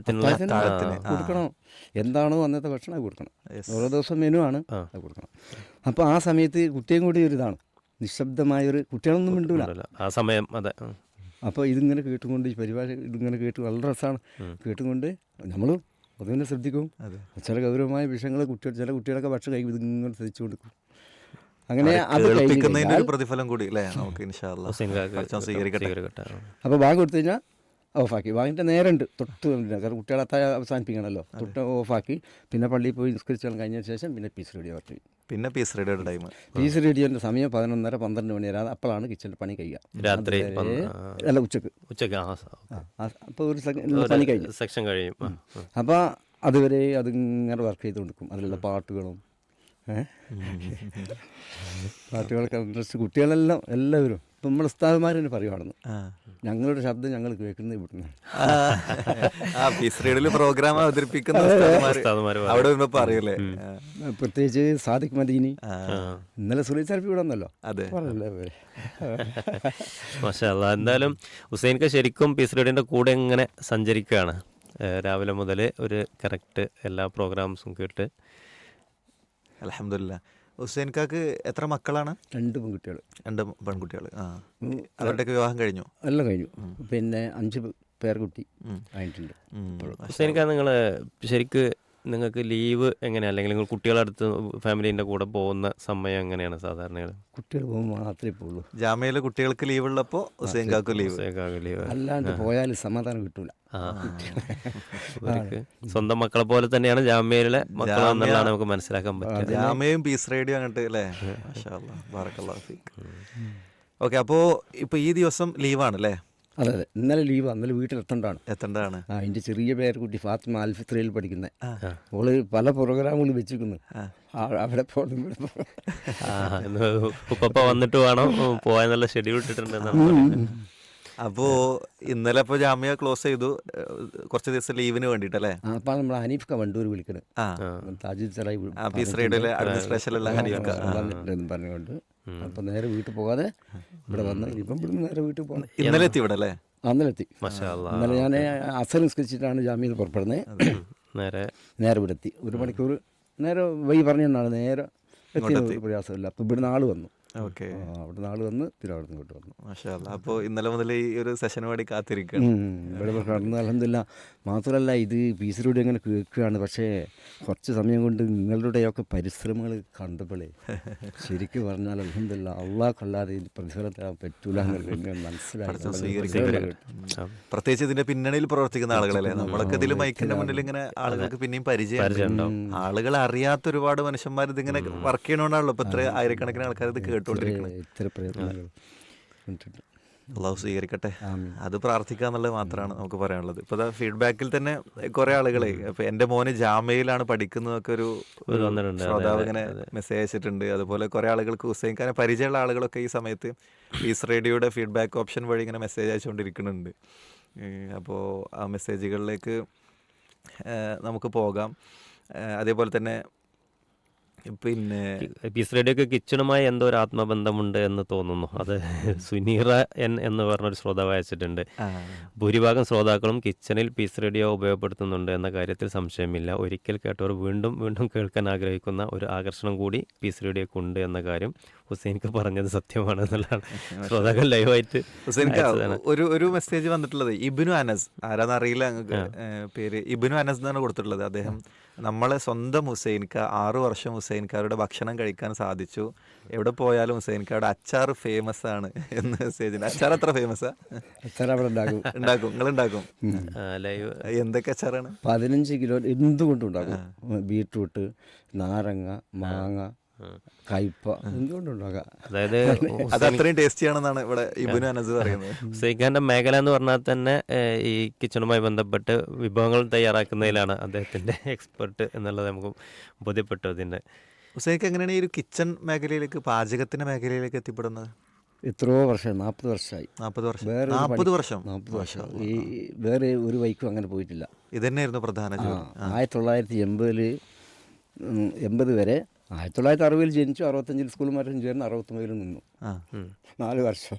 [SPEAKER 3] കൊടുക്കണം. എന്താണോ അന്നത്തെ ഭക്ഷണം അത് കൊടുക്കണം. ഓരോ ദിവസം മെനു ആണ് അത് കൊടുക്കണം. അപ്പോൾ ആ സമയത്ത് കുട്ടിയും കൂടി ഒരു ഇതാണ്, നിശബ്ദമായൊരു കുട്ടികളൊന്നും മിണ്ടൂല.
[SPEAKER 2] ഉണ്ടല്ലോ. ആ സമയം അതെ ഉം.
[SPEAKER 3] അപ്പോൾ ഇതിങ്ങനെ കേട്ടുകൊണ്ട് ഈ പരിപാടി ഇതിങ്ങനെ കേട്ട് വളരെ രസമാണ് കേട്ടുകൊണ്ട് നമ്മൾ പൊതുവിനെ ശ്രദ്ധിക്കും. ചില ഗൗരവമായ വിഷയങ്ങൾ കുട്ടികൾ ചില കുട്ടികളൊക്കെ ഭക്ഷണം കഴിക്കും ഇതിങ്ങനെ ശ്രദ്ധിച്ചു കൊടുക്കും. അങ്ങനെ അത്
[SPEAKER 1] കേൾപ്പിക്കുന്നതിന്റെ ഒരു പ്രതിഫലം കൂടി അല്ലേ നമുക്ക് ഇൻഷാ അല്ലാഹ്
[SPEAKER 2] ഹുസൈൻ കാക്ക
[SPEAKER 1] പടച്ചോൻ സ്വീകരിക്കട്ടെ.
[SPEAKER 2] സ്വീകരിക്കട്ടെ.
[SPEAKER 3] അപ്പോൾ ബാങ്ക് കൊടുത്തു കഴിഞ്ഞാൽ ഓഫാക്കി. ബാങ്കിൻ്റെ നേരെ ഉണ്ട് തൊട്ട് വന്നില്ല. കാരണം കുട്ടികളെ അത്താഴ അവസാനിപ്പിക്കണമല്ലോ. തൊട്ട് ഓഫാക്കി പിന്നെ പള്ളിയിൽ പോയി നിസ്കരിച്ചാൽ കഴിഞ്ഞ ശേഷം പിന്നെ പീസ് റേഡിയോ വർക്ക് ചെയ്യും.
[SPEAKER 1] പിന്നെ പീസ് റേഡിയോയുടെ ടൈം
[SPEAKER 3] പീസ് റേഡിയോൻ്റെ സമയം പതിനൊന്നര പന്ത്രണ്ട് മണി വരെ. അപ്പോഴാണ് കിച്ചണിൽ പണി കഴിയുക.
[SPEAKER 2] രാത്രി
[SPEAKER 3] അതുവരെ- അല്ല ഉച്ചക്ക്.
[SPEAKER 2] ഉച്ചക്ക് ആ
[SPEAKER 3] അപ്പോൾ ഒരു സെക്കൻഡ് പണി കഴിഞ്ഞു.
[SPEAKER 2] സെക്ഷൻ കഴിയും. ആ, ആ.
[SPEAKER 3] അപ്പോൾ അതുവരെ അതിങ്ങനെ വർക്ക് ചെയ്ത് കൊടുക്കും. അതിലുള്ള പാട്ടുകളും ഏഹ് പാട്ടുകളൊക്കെ ഇൻട്രസ്റ്റ് കുട്ടികളെല്ലാം എല്ലാവരും ഇപ്പം നമ്മുടെ ഉസ്താദുമാർ തന്നെ പറയുവാണെന്ന് ഞങ്ങളുടെ ശബ്ദം ഞങ്ങൾ കേൾക്കുന്നത് ഇവിടുന്ന്.
[SPEAKER 1] ആ പീസ് റേഡിയോയിൽ പ്രോഗ്രാം അവതരിപ്പിക്കുന്ന ഉസ്താദുമാര്
[SPEAKER 2] ഉസ്താദുമാര്
[SPEAKER 1] അവിടെ വരുമ്പോ പറയൂലേ.
[SPEAKER 3] പ്രത്യേകിച്ച് സാദിഖ് മദീനി
[SPEAKER 2] ആ.
[SPEAKER 3] ഇന്നലെ സുലൈ സാഹിബ് ഇവിടെ വന്നല്ലോ.
[SPEAKER 1] അതെ
[SPEAKER 3] പറഞ്ഞല്ലേ
[SPEAKER 2] മാഷാ അല്ലാ. എന്തായാലും ഹുസൈൻക്ക് ശരിക്കും പീസ് റേഡിയോൻ്റെ കൂടെ ഇങ്ങനെ സഞ്ചരിക്കുകയാണ്. ഏഹ് രാവിലെ മുതൽ ഒരു കറക്റ്റ് എല്ലാ പ്രോഗ്രാംസും കേട്ട്.
[SPEAKER 1] അൽഹംദുലില്ലാ. ഹുസൈൻ കാക്ക് എത്ര മക്കളാണ്?
[SPEAKER 3] രണ്ട് പെൺകുട്ടികൾ
[SPEAKER 1] രണ്ട് പെൺകുട്ടികൾ. ആ അവരുടെയൊക്കെ വിവാഹം കഴിഞ്ഞു?
[SPEAKER 3] എല്ലാം കഴിഞ്ഞു. പിന്നെ അഞ്ച് പേർക്കുട്ടി ആയിട്ടുണ്ട്.
[SPEAKER 2] ഹുസൈൻക്ക നിങ്ങൾ ശരിക്ക് നിങ്ങൾക്ക് ലീവ് എങ്ങനെയാണ്, അല്ലെങ്കിൽ നിങ്ങൾ കുട്ടികളുടെ അടുത്ത് ഫാമിലീൻ്റെ കൂടെ പോകുന്ന സമയം എങ്ങനെയാണ് സാധാരണ?
[SPEAKER 3] കുട്ടികൾ പോകുമ്പോൾ മാത്രമേ പോകുള്ളൂ.
[SPEAKER 1] ജാമ്യയിലെ കുട്ടികൾക്ക് ലീവ് ഉള്ളപ്പോൾ ഹുസൈൻ കാക്ക് ലീവ്.
[SPEAKER 2] ലീവ്
[SPEAKER 3] അല്ലാണ്ട് പോയാൽ സമാധാനം കിട്ടൂല.
[SPEAKER 2] ആ ഇവർക്ക് സ്വന്തം മക്കളെ പോലെ തന്നെയാണ് ജാമ്യയിലെ മക്കളെന്നുള്ളതാണ് നമുക്ക് മനസ്സിലാക്കാൻ പറ്റുക.
[SPEAKER 1] ജാമ്യയും പീസ് റേഡിയോ അങ്ങോട്ട് അല്ലേ. മാഷാ അല്ലാഹ് ബാറക്കല്ലാഹു ഫീക്ക്. ഓക്കെ, അപ്പോൾ ഇപ്പോൾ ഈ ദിവസം ലീവാണ് അല്ലേ?
[SPEAKER 3] അതെ അതെ, ഇന്നലെ ലീവാണ്. ഇന്നലെ വീട്ടിലെത്തേണ്ടതാണ്.
[SPEAKER 1] എത്തേണ്ടതാണ്.
[SPEAKER 3] ആ എൻ്റെ ചെറിയ പേരക്കുട്ടി ഫാത്തിമ അൽഫിത്രയിൽ പഠിക്കുന്നത്. ഓള് പല പ്രോഗ്രാമുകൾ വെച്ചിരിക്കുന്നു. അവിടെ പോകണം ഇവിടെ പോകണം.
[SPEAKER 2] ആ ഇന്ന് ഉപ്പപ്പ വന്നിട്ട് വേണം പോകാനുള്ള ഷെഡ്യൂൾ ഇട്ടിട്ടുണ്ടെന്നാണ്.
[SPEAKER 1] അപ്പോൾ ഇന്നലെ ഇപ്പോൾ ജാമ്യ ക്ലോസ് ചെയ്തു കുറച്ച് ദിവസം ലീവിന് വേണ്ടിയിട്ടല്ലേ.
[SPEAKER 3] അപ്പം നമ്മൾ ഹനീഫ്ക വണ്ടൂർ വിളിക്കണത്.
[SPEAKER 1] ആ
[SPEAKER 3] താജുൽ സറായി
[SPEAKER 1] പീസ് റേഡിയോയിലെ അഡ്മിനിസ്ട്രേഷനിലുള്ള ഹനീഫ്ക
[SPEAKER 3] വന്നിട്ടുണ്ടെന്ന് പറഞ്ഞുകൊണ്ട് അപ്പം നേരെ വീട്ടിൽ പോകാതെ ഇവിടെ വന്ന് ഇപ്പം ഇവിടുന്ന് നേരെ വീട്ടിൽ പോകണം.
[SPEAKER 1] ഇന്നലെ എത്തി ഇവിടെ അല്ലേ?
[SPEAKER 3] അന്നലെ എത്തി.
[SPEAKER 2] മാഷാ അല്ലാ.
[SPEAKER 3] ഇന്നലെ ഞാൻ അസർ നിസ്കരിച്ചിട്ടാണ് ജാമ്യയിൽ പുറപ്പെടുന്നത്.
[SPEAKER 2] നേരെ
[SPEAKER 3] നേരെ ഇവിടെ എത്തി. ഒരു മണിക്കൂർ നേരെ വൈ പറഞ്ഞാണ് നേരെ എത്തി. പ്രയാസമില്ല. അപ്പം ഇവിടുന്ന് ആൾ വന്നു.
[SPEAKER 1] ഓക്കെ,
[SPEAKER 3] അവിടെ നാൾ വന്ന് തിരുവനന്തപുരത്ത് ഇങ്ങോട്ട് വന്നു.
[SPEAKER 1] മാഷാ അല്ലാ. അപ്പോൾ ഇന്നലെ മുതൽ ഈ ഒരു സെഷന് വേണ്ടി കാത്തിരിക്കുകയാണ്.
[SPEAKER 3] ഇവിടെ കടന്ന് അൽഹംദുലില്ലാ. മാത്രമല്ല ഇത് പീസിലൂടെ അങ്ങനെ കേൾക്കുകയാണ്. പക്ഷേ കുറച്ച് സമയം കൊണ്ട് നിങ്ങളുടെയൊക്കെ പരിശ്രമങ്ങൾ കണ്ടപ്പോഴേ ശരിക്കും പറഞ്ഞാൽ അൽഹംദുലില്ലാ അള്ളാഹ്ക്കല്ലാതെ ഇത് പ്രതിഫലം തരാൻ പറ്റൂല എന്ന് മനസ്സിലായി.
[SPEAKER 1] പ്രത്യേകിച്ച് ഇതിന്റെ പിന്നണിയിൽ പ്രവർത്തിക്കുന്ന ആളുകളല്ലേ. നമ്മളൊക്കെ ഇതിൽ മൈക്കിന്റെ മുന്നിൽ ഇങ്ങനെ ആളുകൾക്ക് പിന്നെയും പരിചയം. ആളുകൾ അറിയാത്ത ഒരുപാട് മനുഷ്യന്മാർ ഇതിങ്ങനെ വർക്ക് ചെയ്യണോണ്ടാണല്ലോ ഇപ്പൊ ഇത്ര ആയിരക്കണക്കിന് ആൾക്കാർ ഇത് കേട്ടുകൊണ്ടിരിക്കുന്നത്.
[SPEAKER 3] ഇത്ര പ്രയത്നങ്ങൾ
[SPEAKER 1] അള്ളാഹു സ്വീകരിക്കട്ടെ. അത് പ്രാർത്ഥിക്കുക എന്നുള്ളത് മാത്രമാണ് നമുക്ക് പറയാനുള്ളത്. ഇപ്പോൾ ഫീഡ്ബാക്കിൽ തന്നെ കുറേ ആളുകളെ ഇപ്പം എൻ്റെ മോന് ജാമ്യയിലാണ് പഠിക്കുന്നതൊക്കെ ഒരു ശ്രോതാവ് ഇങ്ങനെ മെസ്സേജ് അയച്ചിട്ടുണ്ട്. അതുപോലെ കുറേ ആളുകൾക്ക് ഹുസൈൻ ഖാനെ പരിചയമുള്ള ആളുകളൊക്കെ ഈ സമയത്ത് പീസ് റേഡിയോയുടെ ഫീഡ്ബാക്ക് ഓപ്ഷൻ വഴി ഇങ്ങനെ മെസ്സേജ് അയച്ചുകൊണ്ടിരിക്കുന്നുണ്ട്. അപ്പോൾ ആ മെസ്സേജുകളിലേക്ക് നമുക്ക് പോകാം. അതേപോലെ തന്നെ പിന്നെ
[SPEAKER 2] പീസ് റേഡിയോക്ക് കിച്ചണുമായി എന്തോ ഒരു ആത്മബന്ധമുണ്ട് എന്ന് തോന്നുന്നു. അത് സുനീറ എൻ എന്ന് പറഞ്ഞൊരു ശ്രോതാവ് അയച്ചിട്ടുണ്ട്. ഭൂരിഭാഗം ശ്രോതാക്കളും കിച്ചണിൽ പീസ് റേഡിയോ ഉപയോഗപ്പെടുത്തുന്നുണ്ട് എന്ന കാര്യത്തിൽ സംശയമില്ല. ഒരിക്കൽ കേട്ടവർ വീണ്ടും വീണ്ടും കേൾക്കാൻ ആഗ്രഹിക്കുന്ന ഒരു ആകർഷണം കൂടി പീസ് റേഡിയോക്ക് ഉണ്ട് എന്ന കാര്യം ഹുസൈൻക്ക് പറഞ്ഞത് സത്യമാണ് എന്നുള്ളതാണ് ശ്രോതാക്കൾ ലൈവായിട്ട്.
[SPEAKER 1] ഹുസൈൻക്ക് ഒരു ഒരു മെസ്സേജ് വന്നിട്ടുള്ളത് ഇബ്നു അനസ്, ആരാന്നറിയില്ല ഞങ്ങൾക്ക് പേര്, ഇബ്നു അനസ് എന്നാണ് കൊടുത്തിട്ടുള്ളത്. അദ്ദേഹം നമ്മളെ സ്വന്തം ഹുസൈൻക്ക ആറു വർഷം ഹുസൈൻക്കാരുടെ ഭക്ഷണം കഴിക്കാൻ സാധിച്ചു. എവിടെ പോയാലും ഹുസൈൻക്കാരുടെ അച്ചാർ ഫേമസ് ആണ് എന്ന് മെസ്സേജിന്. അച്ചാർ അത്ര ഫേമസാ?
[SPEAKER 3] അച്ചാർ അവിടെ ഉണ്ടാക്കും.
[SPEAKER 1] ഉണ്ടാക്കും, നിങ്ങൾ ഉണ്ടാക്കും?
[SPEAKER 2] ലൈവ്
[SPEAKER 1] എന്തൊക്കെ അച്ചാറാണ്?
[SPEAKER 3] പതിനഞ്ച് കിലോ എന്തുകൊണ്ടും ഉണ്ടാക്കും. ബീട്രൂട്ട്, നാരങ്ങ, മാങ്ങ, കയ്പ, എന്തുകൊണ്ടുണ്ടാകാം.
[SPEAKER 2] അതായത്
[SPEAKER 1] അത് അത്രയും ടേസ്റ്റിയാണെന്നാണ് ഇവിടെ ഇബ്നു അനസ് പറയുന്നത്.
[SPEAKER 2] ഹുസൈൻഖാന്റെ മേഖല എന്ന് പറഞ്ഞാൽ തന്നെ ഈ കിച്ചണുമായി ബന്ധപ്പെട്ട് വിഭവങ്ങൾ തയ്യാറാക്കുന്നതിലാണ് അദ്ദേഹത്തിന്റെ എക്സ്പെർട്ട് എന്നുള്ളത് നമുക്ക് ബോധ്യപ്പെട്ടു. അതിന്റെ
[SPEAKER 1] ഹുസൈൻക്ക് എങ്ങനെയാണ് ഈ ഒരു കിച്ചൺ മേഖലയിലേക്ക്, പാചകത്തിന്റെ മേഖലയിലേക്ക് എത്തിപ്പെടുന്നത്?
[SPEAKER 3] എത്രയോ വർഷം, നാൽപ്പത് വർഷമായി.
[SPEAKER 1] നാൽപ്പത് വർഷം
[SPEAKER 3] വേറെ
[SPEAKER 1] നാൽപ്പത് വർഷം
[SPEAKER 3] നാൽപ്പത് വർഷം ഈ വേറെ ഒരു വൈക്കും അങ്ങനെ പോയിട്ടില്ല.
[SPEAKER 1] ഇതന്നെയായിരുന്നു പ്രധാന ജോലി.
[SPEAKER 3] ആയിരത്തി തൊള്ളായിരത്തി എൺപതിൽ എൺപത് വരെ ആയിരത്തി തൊള്ളായിരത്തി അറുപതിൽ ജനിച്ചു. അറുപത്തഞ്ചിൽ സ്കൂൾ മാറ്റം ചേർന്ന് അറുപത്തൊമ്പതിൽ നിന്നു. നാല് വർഷം.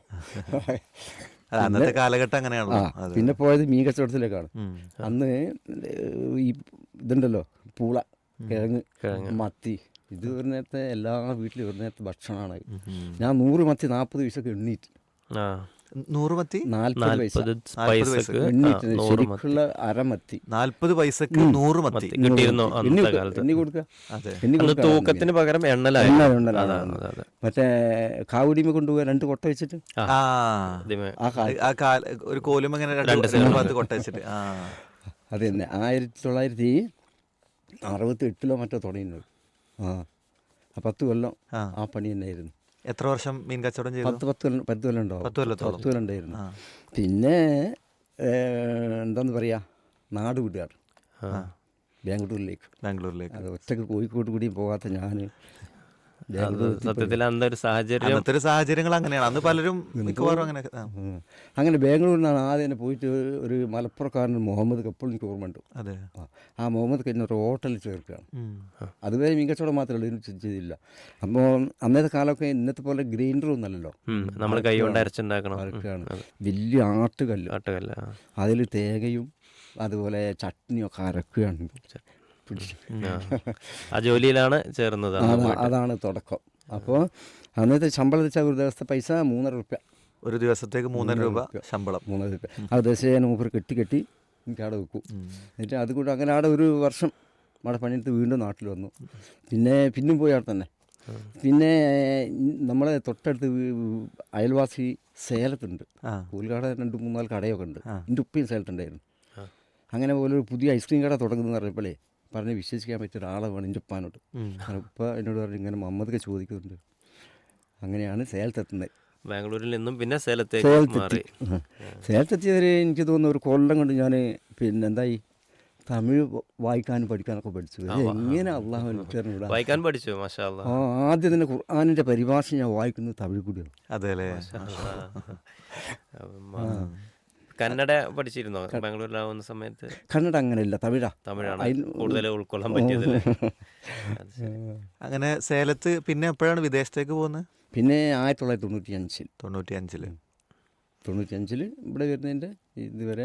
[SPEAKER 1] അന്നത്തെ കാലഘട്ടം അങ്ങനെയാണല്ലോ.
[SPEAKER 3] പിന്നെ പോയത് മീൻ കച്ചവടത്തിലേക്കാണ്. അന്ന് ഈ ഇതുണ്ടല്ലോ പൂള, കിഴങ്ങ്, മത്തി, ഇത് ഒരു നേരത്തെ എല്ലാ വീട്ടിലും ഒരു നേരത്തെ ഭക്ഷണമാണ്. ഞാൻ നൂറ് മത്തി നാൽപ്പത് പൈസക്ക് എണ്ണീറ്റ്,
[SPEAKER 2] ആ
[SPEAKER 1] നൂറ് മത്തി
[SPEAKER 3] നാൽപ്പത് പൈസ
[SPEAKER 2] നാൽപ്പത് പൈസക്ക്
[SPEAKER 3] എണ്ണീറ്റ്
[SPEAKER 2] ആ, നൂറ്
[SPEAKER 3] ശരിക്കുള്ള അരമത്തി
[SPEAKER 1] നാൽപ്പത് പൈസക്ക് നൂറ് മത്തി
[SPEAKER 2] മത്തി കിട്ടിയിരുന്നു
[SPEAKER 3] എണ്ണി
[SPEAKER 2] അന്നത്തെ കാലത്ത്.
[SPEAKER 3] എണ്ണി കൊടുക്കുക,
[SPEAKER 1] അതെ.
[SPEAKER 3] എണ്ണി
[SPEAKER 2] അന്ന്
[SPEAKER 3] കൊടുക്കുക.
[SPEAKER 2] തൂക്കത്തിന് പകരം എണ്ണലായിരുന്നു.
[SPEAKER 3] എണ്ണ എണ്ണലാണ്.
[SPEAKER 2] അതാണ്, അതെ, അതെ.
[SPEAKER 3] മറ്റേ കാവുടിമ കൊണ്ടുപോകാൻ രണ്ട് കൊട്ട വെച്ചിട്ട്
[SPEAKER 2] ആ,
[SPEAKER 1] ആ
[SPEAKER 2] ഇതിമേ-
[SPEAKER 3] ആ കാലം
[SPEAKER 1] ആ കാൽ ഒരു കോലും അങ്ങനെ രണ്ട്
[SPEAKER 2] രണ്ട്
[SPEAKER 1] രണ്ട് ഭാഗത്ത് കൊട്ടച്ചിട്ട് ആ
[SPEAKER 3] അത് തന്നെ ആയിരത്തി തൊള്ളായിരത്തി അറുപത്തി എട്ടിലോ മറ്റോ തുടങ്ങിയത്. ആ ആ പത്ത് കൊല്ലം
[SPEAKER 1] ആ.
[SPEAKER 3] ആ പണി തന്നെയായിരുന്നു.
[SPEAKER 1] എത്ര വർഷം മീൻ കച്ചവടം ചെയ്തു?
[SPEAKER 3] പത്ത് പത്ത് കൊല്ലം പത്ത് കൊല്ലം ഉണ്ടാവും.
[SPEAKER 1] പത്ത് കൊല്ലത്തോളം.
[SPEAKER 3] പത്ത് കൊല്ലം ഉണ്ടായിരുന്നു.
[SPEAKER 1] ആ.
[SPEAKER 3] പിന്നെ എന്താന്ന് പറയുക, നാട് വിടുകയാണ്
[SPEAKER 2] ആ.
[SPEAKER 3] ബാംഗ്ലൂരിലേക്ക്.
[SPEAKER 1] ബാംഗ്ലൂരിലേക്ക്.
[SPEAKER 3] അത് ഒറ്റക്ക് കോഴിക്കോട് കൂടിയും പോകാത്ത ഞാൻ
[SPEAKER 2] അത്
[SPEAKER 3] ബാംഗ്ലൂർ
[SPEAKER 2] സത്യത്തിൽ അന്നൊരു സാഹചര്യം
[SPEAKER 1] അന്നത്തെ ഒരു സാഹചര്യങ്ങൾ അങ്ങനെയാണ്. അന്ന് പലരും മിക്കവാറും അങ്ങനെ ആ.
[SPEAKER 3] ഉം. അങ്ങനെ ബാംഗ്ലൂരിൽ നിന്നാണ് ആദ്യം തന്നെ പോയിട്ട് ഒരു മലപ്പുറക്കാരൻ മുഹമ്മദ് കപ്പോൾ എനിക്ക് ഓർമ്മയുണ്ട്.
[SPEAKER 1] അതെ.
[SPEAKER 3] ആ, ആ മുഹമ്മദ് കഴിഞ്ഞ ഒരു ഹോട്ടലിൽ ചേർക്കുകയാണ്.
[SPEAKER 1] ഉം.
[SPEAKER 3] അതുവരെ മീൻ കച്ചവടം മാത്രമേ ഉള്ളൂ, ഇതിന് ചെയ്തില്ല. അപ്പോൾ അന്നത്തെ കാലമൊക്കെ ഇന്നത്തെ പോലെ ഗ്രൈൻഡറും അല്ലല്ലോ,
[SPEAKER 2] നമ്മൾ കൈ കൊണ്ട് അരച്ചുണ്ടാക്കണം.
[SPEAKER 3] അരക്കുകയാണ്. വലിയ ആട്ടുകല്ല്,
[SPEAKER 2] ആട്ടുകല്ല.
[SPEAKER 3] അതിൽ തേങ്ങയും അതുപോലെ ചട്നിയും ഒക്കെ അരക്കുകയാണ്.
[SPEAKER 2] ആ ജോലിയിലാണ് ചേർന്നത്.
[SPEAKER 3] അതാ- അതാണ് തുടക്കം. അപ്പോൾ അന്നത്തെ ശമ്പളം വെച്ചാൽ ഒരു ദിവസത്തെ പൈസ മൂന്നര റുപ്യ,
[SPEAKER 1] ഒരു ദിവസത്തേക്ക് മൂന്നര രൂപ ശമ്പളം.
[SPEAKER 3] മൂന്നര റുപ്യ. ആ ദിവസം മൂപ്പർ കെട്ടി കെട്ടി എനിക്ക് അവിടെ വെക്കും. എന്നിട്ട് അതുകൊണ്ട് അങ്ങനെ അവിടെ ഒരു വർഷം അവിടെ പണിയെടുത്ത് വീണ്ടും നാട്ടിൽ വന്നു. പിന്നെ പിന്നും പോയി അവിടെ തന്നെ. പിന്നെ നമ്മളെ തൊട്ടടുത്ത് വീ- അയൽവാസി സേലത്തുണ്ട്,
[SPEAKER 1] ആ.
[SPEAKER 3] പൂൽക്കട രണ്ട് മൂന്നാല് കടയൊക്കെ ഉണ്ട്. എൻ്റെ ഉപ്പയും സേലത്തുണ്ടായിരുന്നു. അങ്ങനെ പോലെ ഒരു പുതിയ ഐസ്ക്രീം കട തുടങ്ങുന്നത് പറഞ്ഞപ്പോഴേ പറഞ്ഞ് വിശ്വസിക്കാൻ പറ്റിയ ഒരാളെ വേണം എൻ്റെ ഉപ്പാനോട്. ഉപ്പ എന്നോട് പറഞ്ഞു ഇങ്ങനെ മുഹമ്മദൊക്കെ ചോദിക്കുന്നുണ്ട്. അങ്ങനെയാണ് സേലത്തെത്തുന്നത്.
[SPEAKER 2] ബാംഗ്ലൂരിൽ നിന്നും പിന്നെ സേലത്തേക്ക്
[SPEAKER 3] സേലത്തെത്തി.
[SPEAKER 2] മാറി.
[SPEAKER 3] സേലത്തെത്തിയവർ എനിക്ക് തോന്നുന്നു ഒരു കൊല്ലം കൊണ്ട് ഞാൻ പിന്നെ എന്തായി തമിഴ് വായിക്കാനും പഠിക്കാനൊക്കെ പഠിച്ചു. ഇത് എങ്ങനെ അള്ളാഹു എനിക്കറിഞ്ഞൂടാ.
[SPEAKER 2] വായിക്കാൻ പഠിച്ചു, മാഷാ അല്ലാ.
[SPEAKER 3] ആ ആദ്യം തന്നെ ഖുർആനിൻ്റെ പരിഭാഷ ഞാൻ വായിക്കുന്നത് തമിഴ് കൂടിയാണ്.
[SPEAKER 1] അതെ അല്ലേ.
[SPEAKER 2] കന്നഡ പഠിച്ചിരുന്നോ ബാംഗ്ലൂരിലാവുന്ന സമയത്ത്?
[SPEAKER 3] കന്നഡ അങ്ങനെയല്ല, തമിഴാ.
[SPEAKER 2] തമിഴാണ്
[SPEAKER 3] അതിന്
[SPEAKER 2] കൂടുതൽ ഉൾക്കൊള്ളാൻ പറ്റിയത്.
[SPEAKER 1] അങ്ങനെ സേലത്ത് പിന്നെ എപ്പോഴാണ് വിദേശത്തേക്ക് പോകുന്നത്?
[SPEAKER 3] പിന്നെ ആയിരത്തി തൊള്ളായിരത്തി തൊണ്ണൂറ്റി അഞ്ചിൽ
[SPEAKER 1] തൊണ്ണൂറ്റി അഞ്ചില്
[SPEAKER 3] തൊണ്ണൂറ്റി അഞ്ചിൽ ഇവിടെ വരുന്നതിൻ്റെ ഇതുവരെ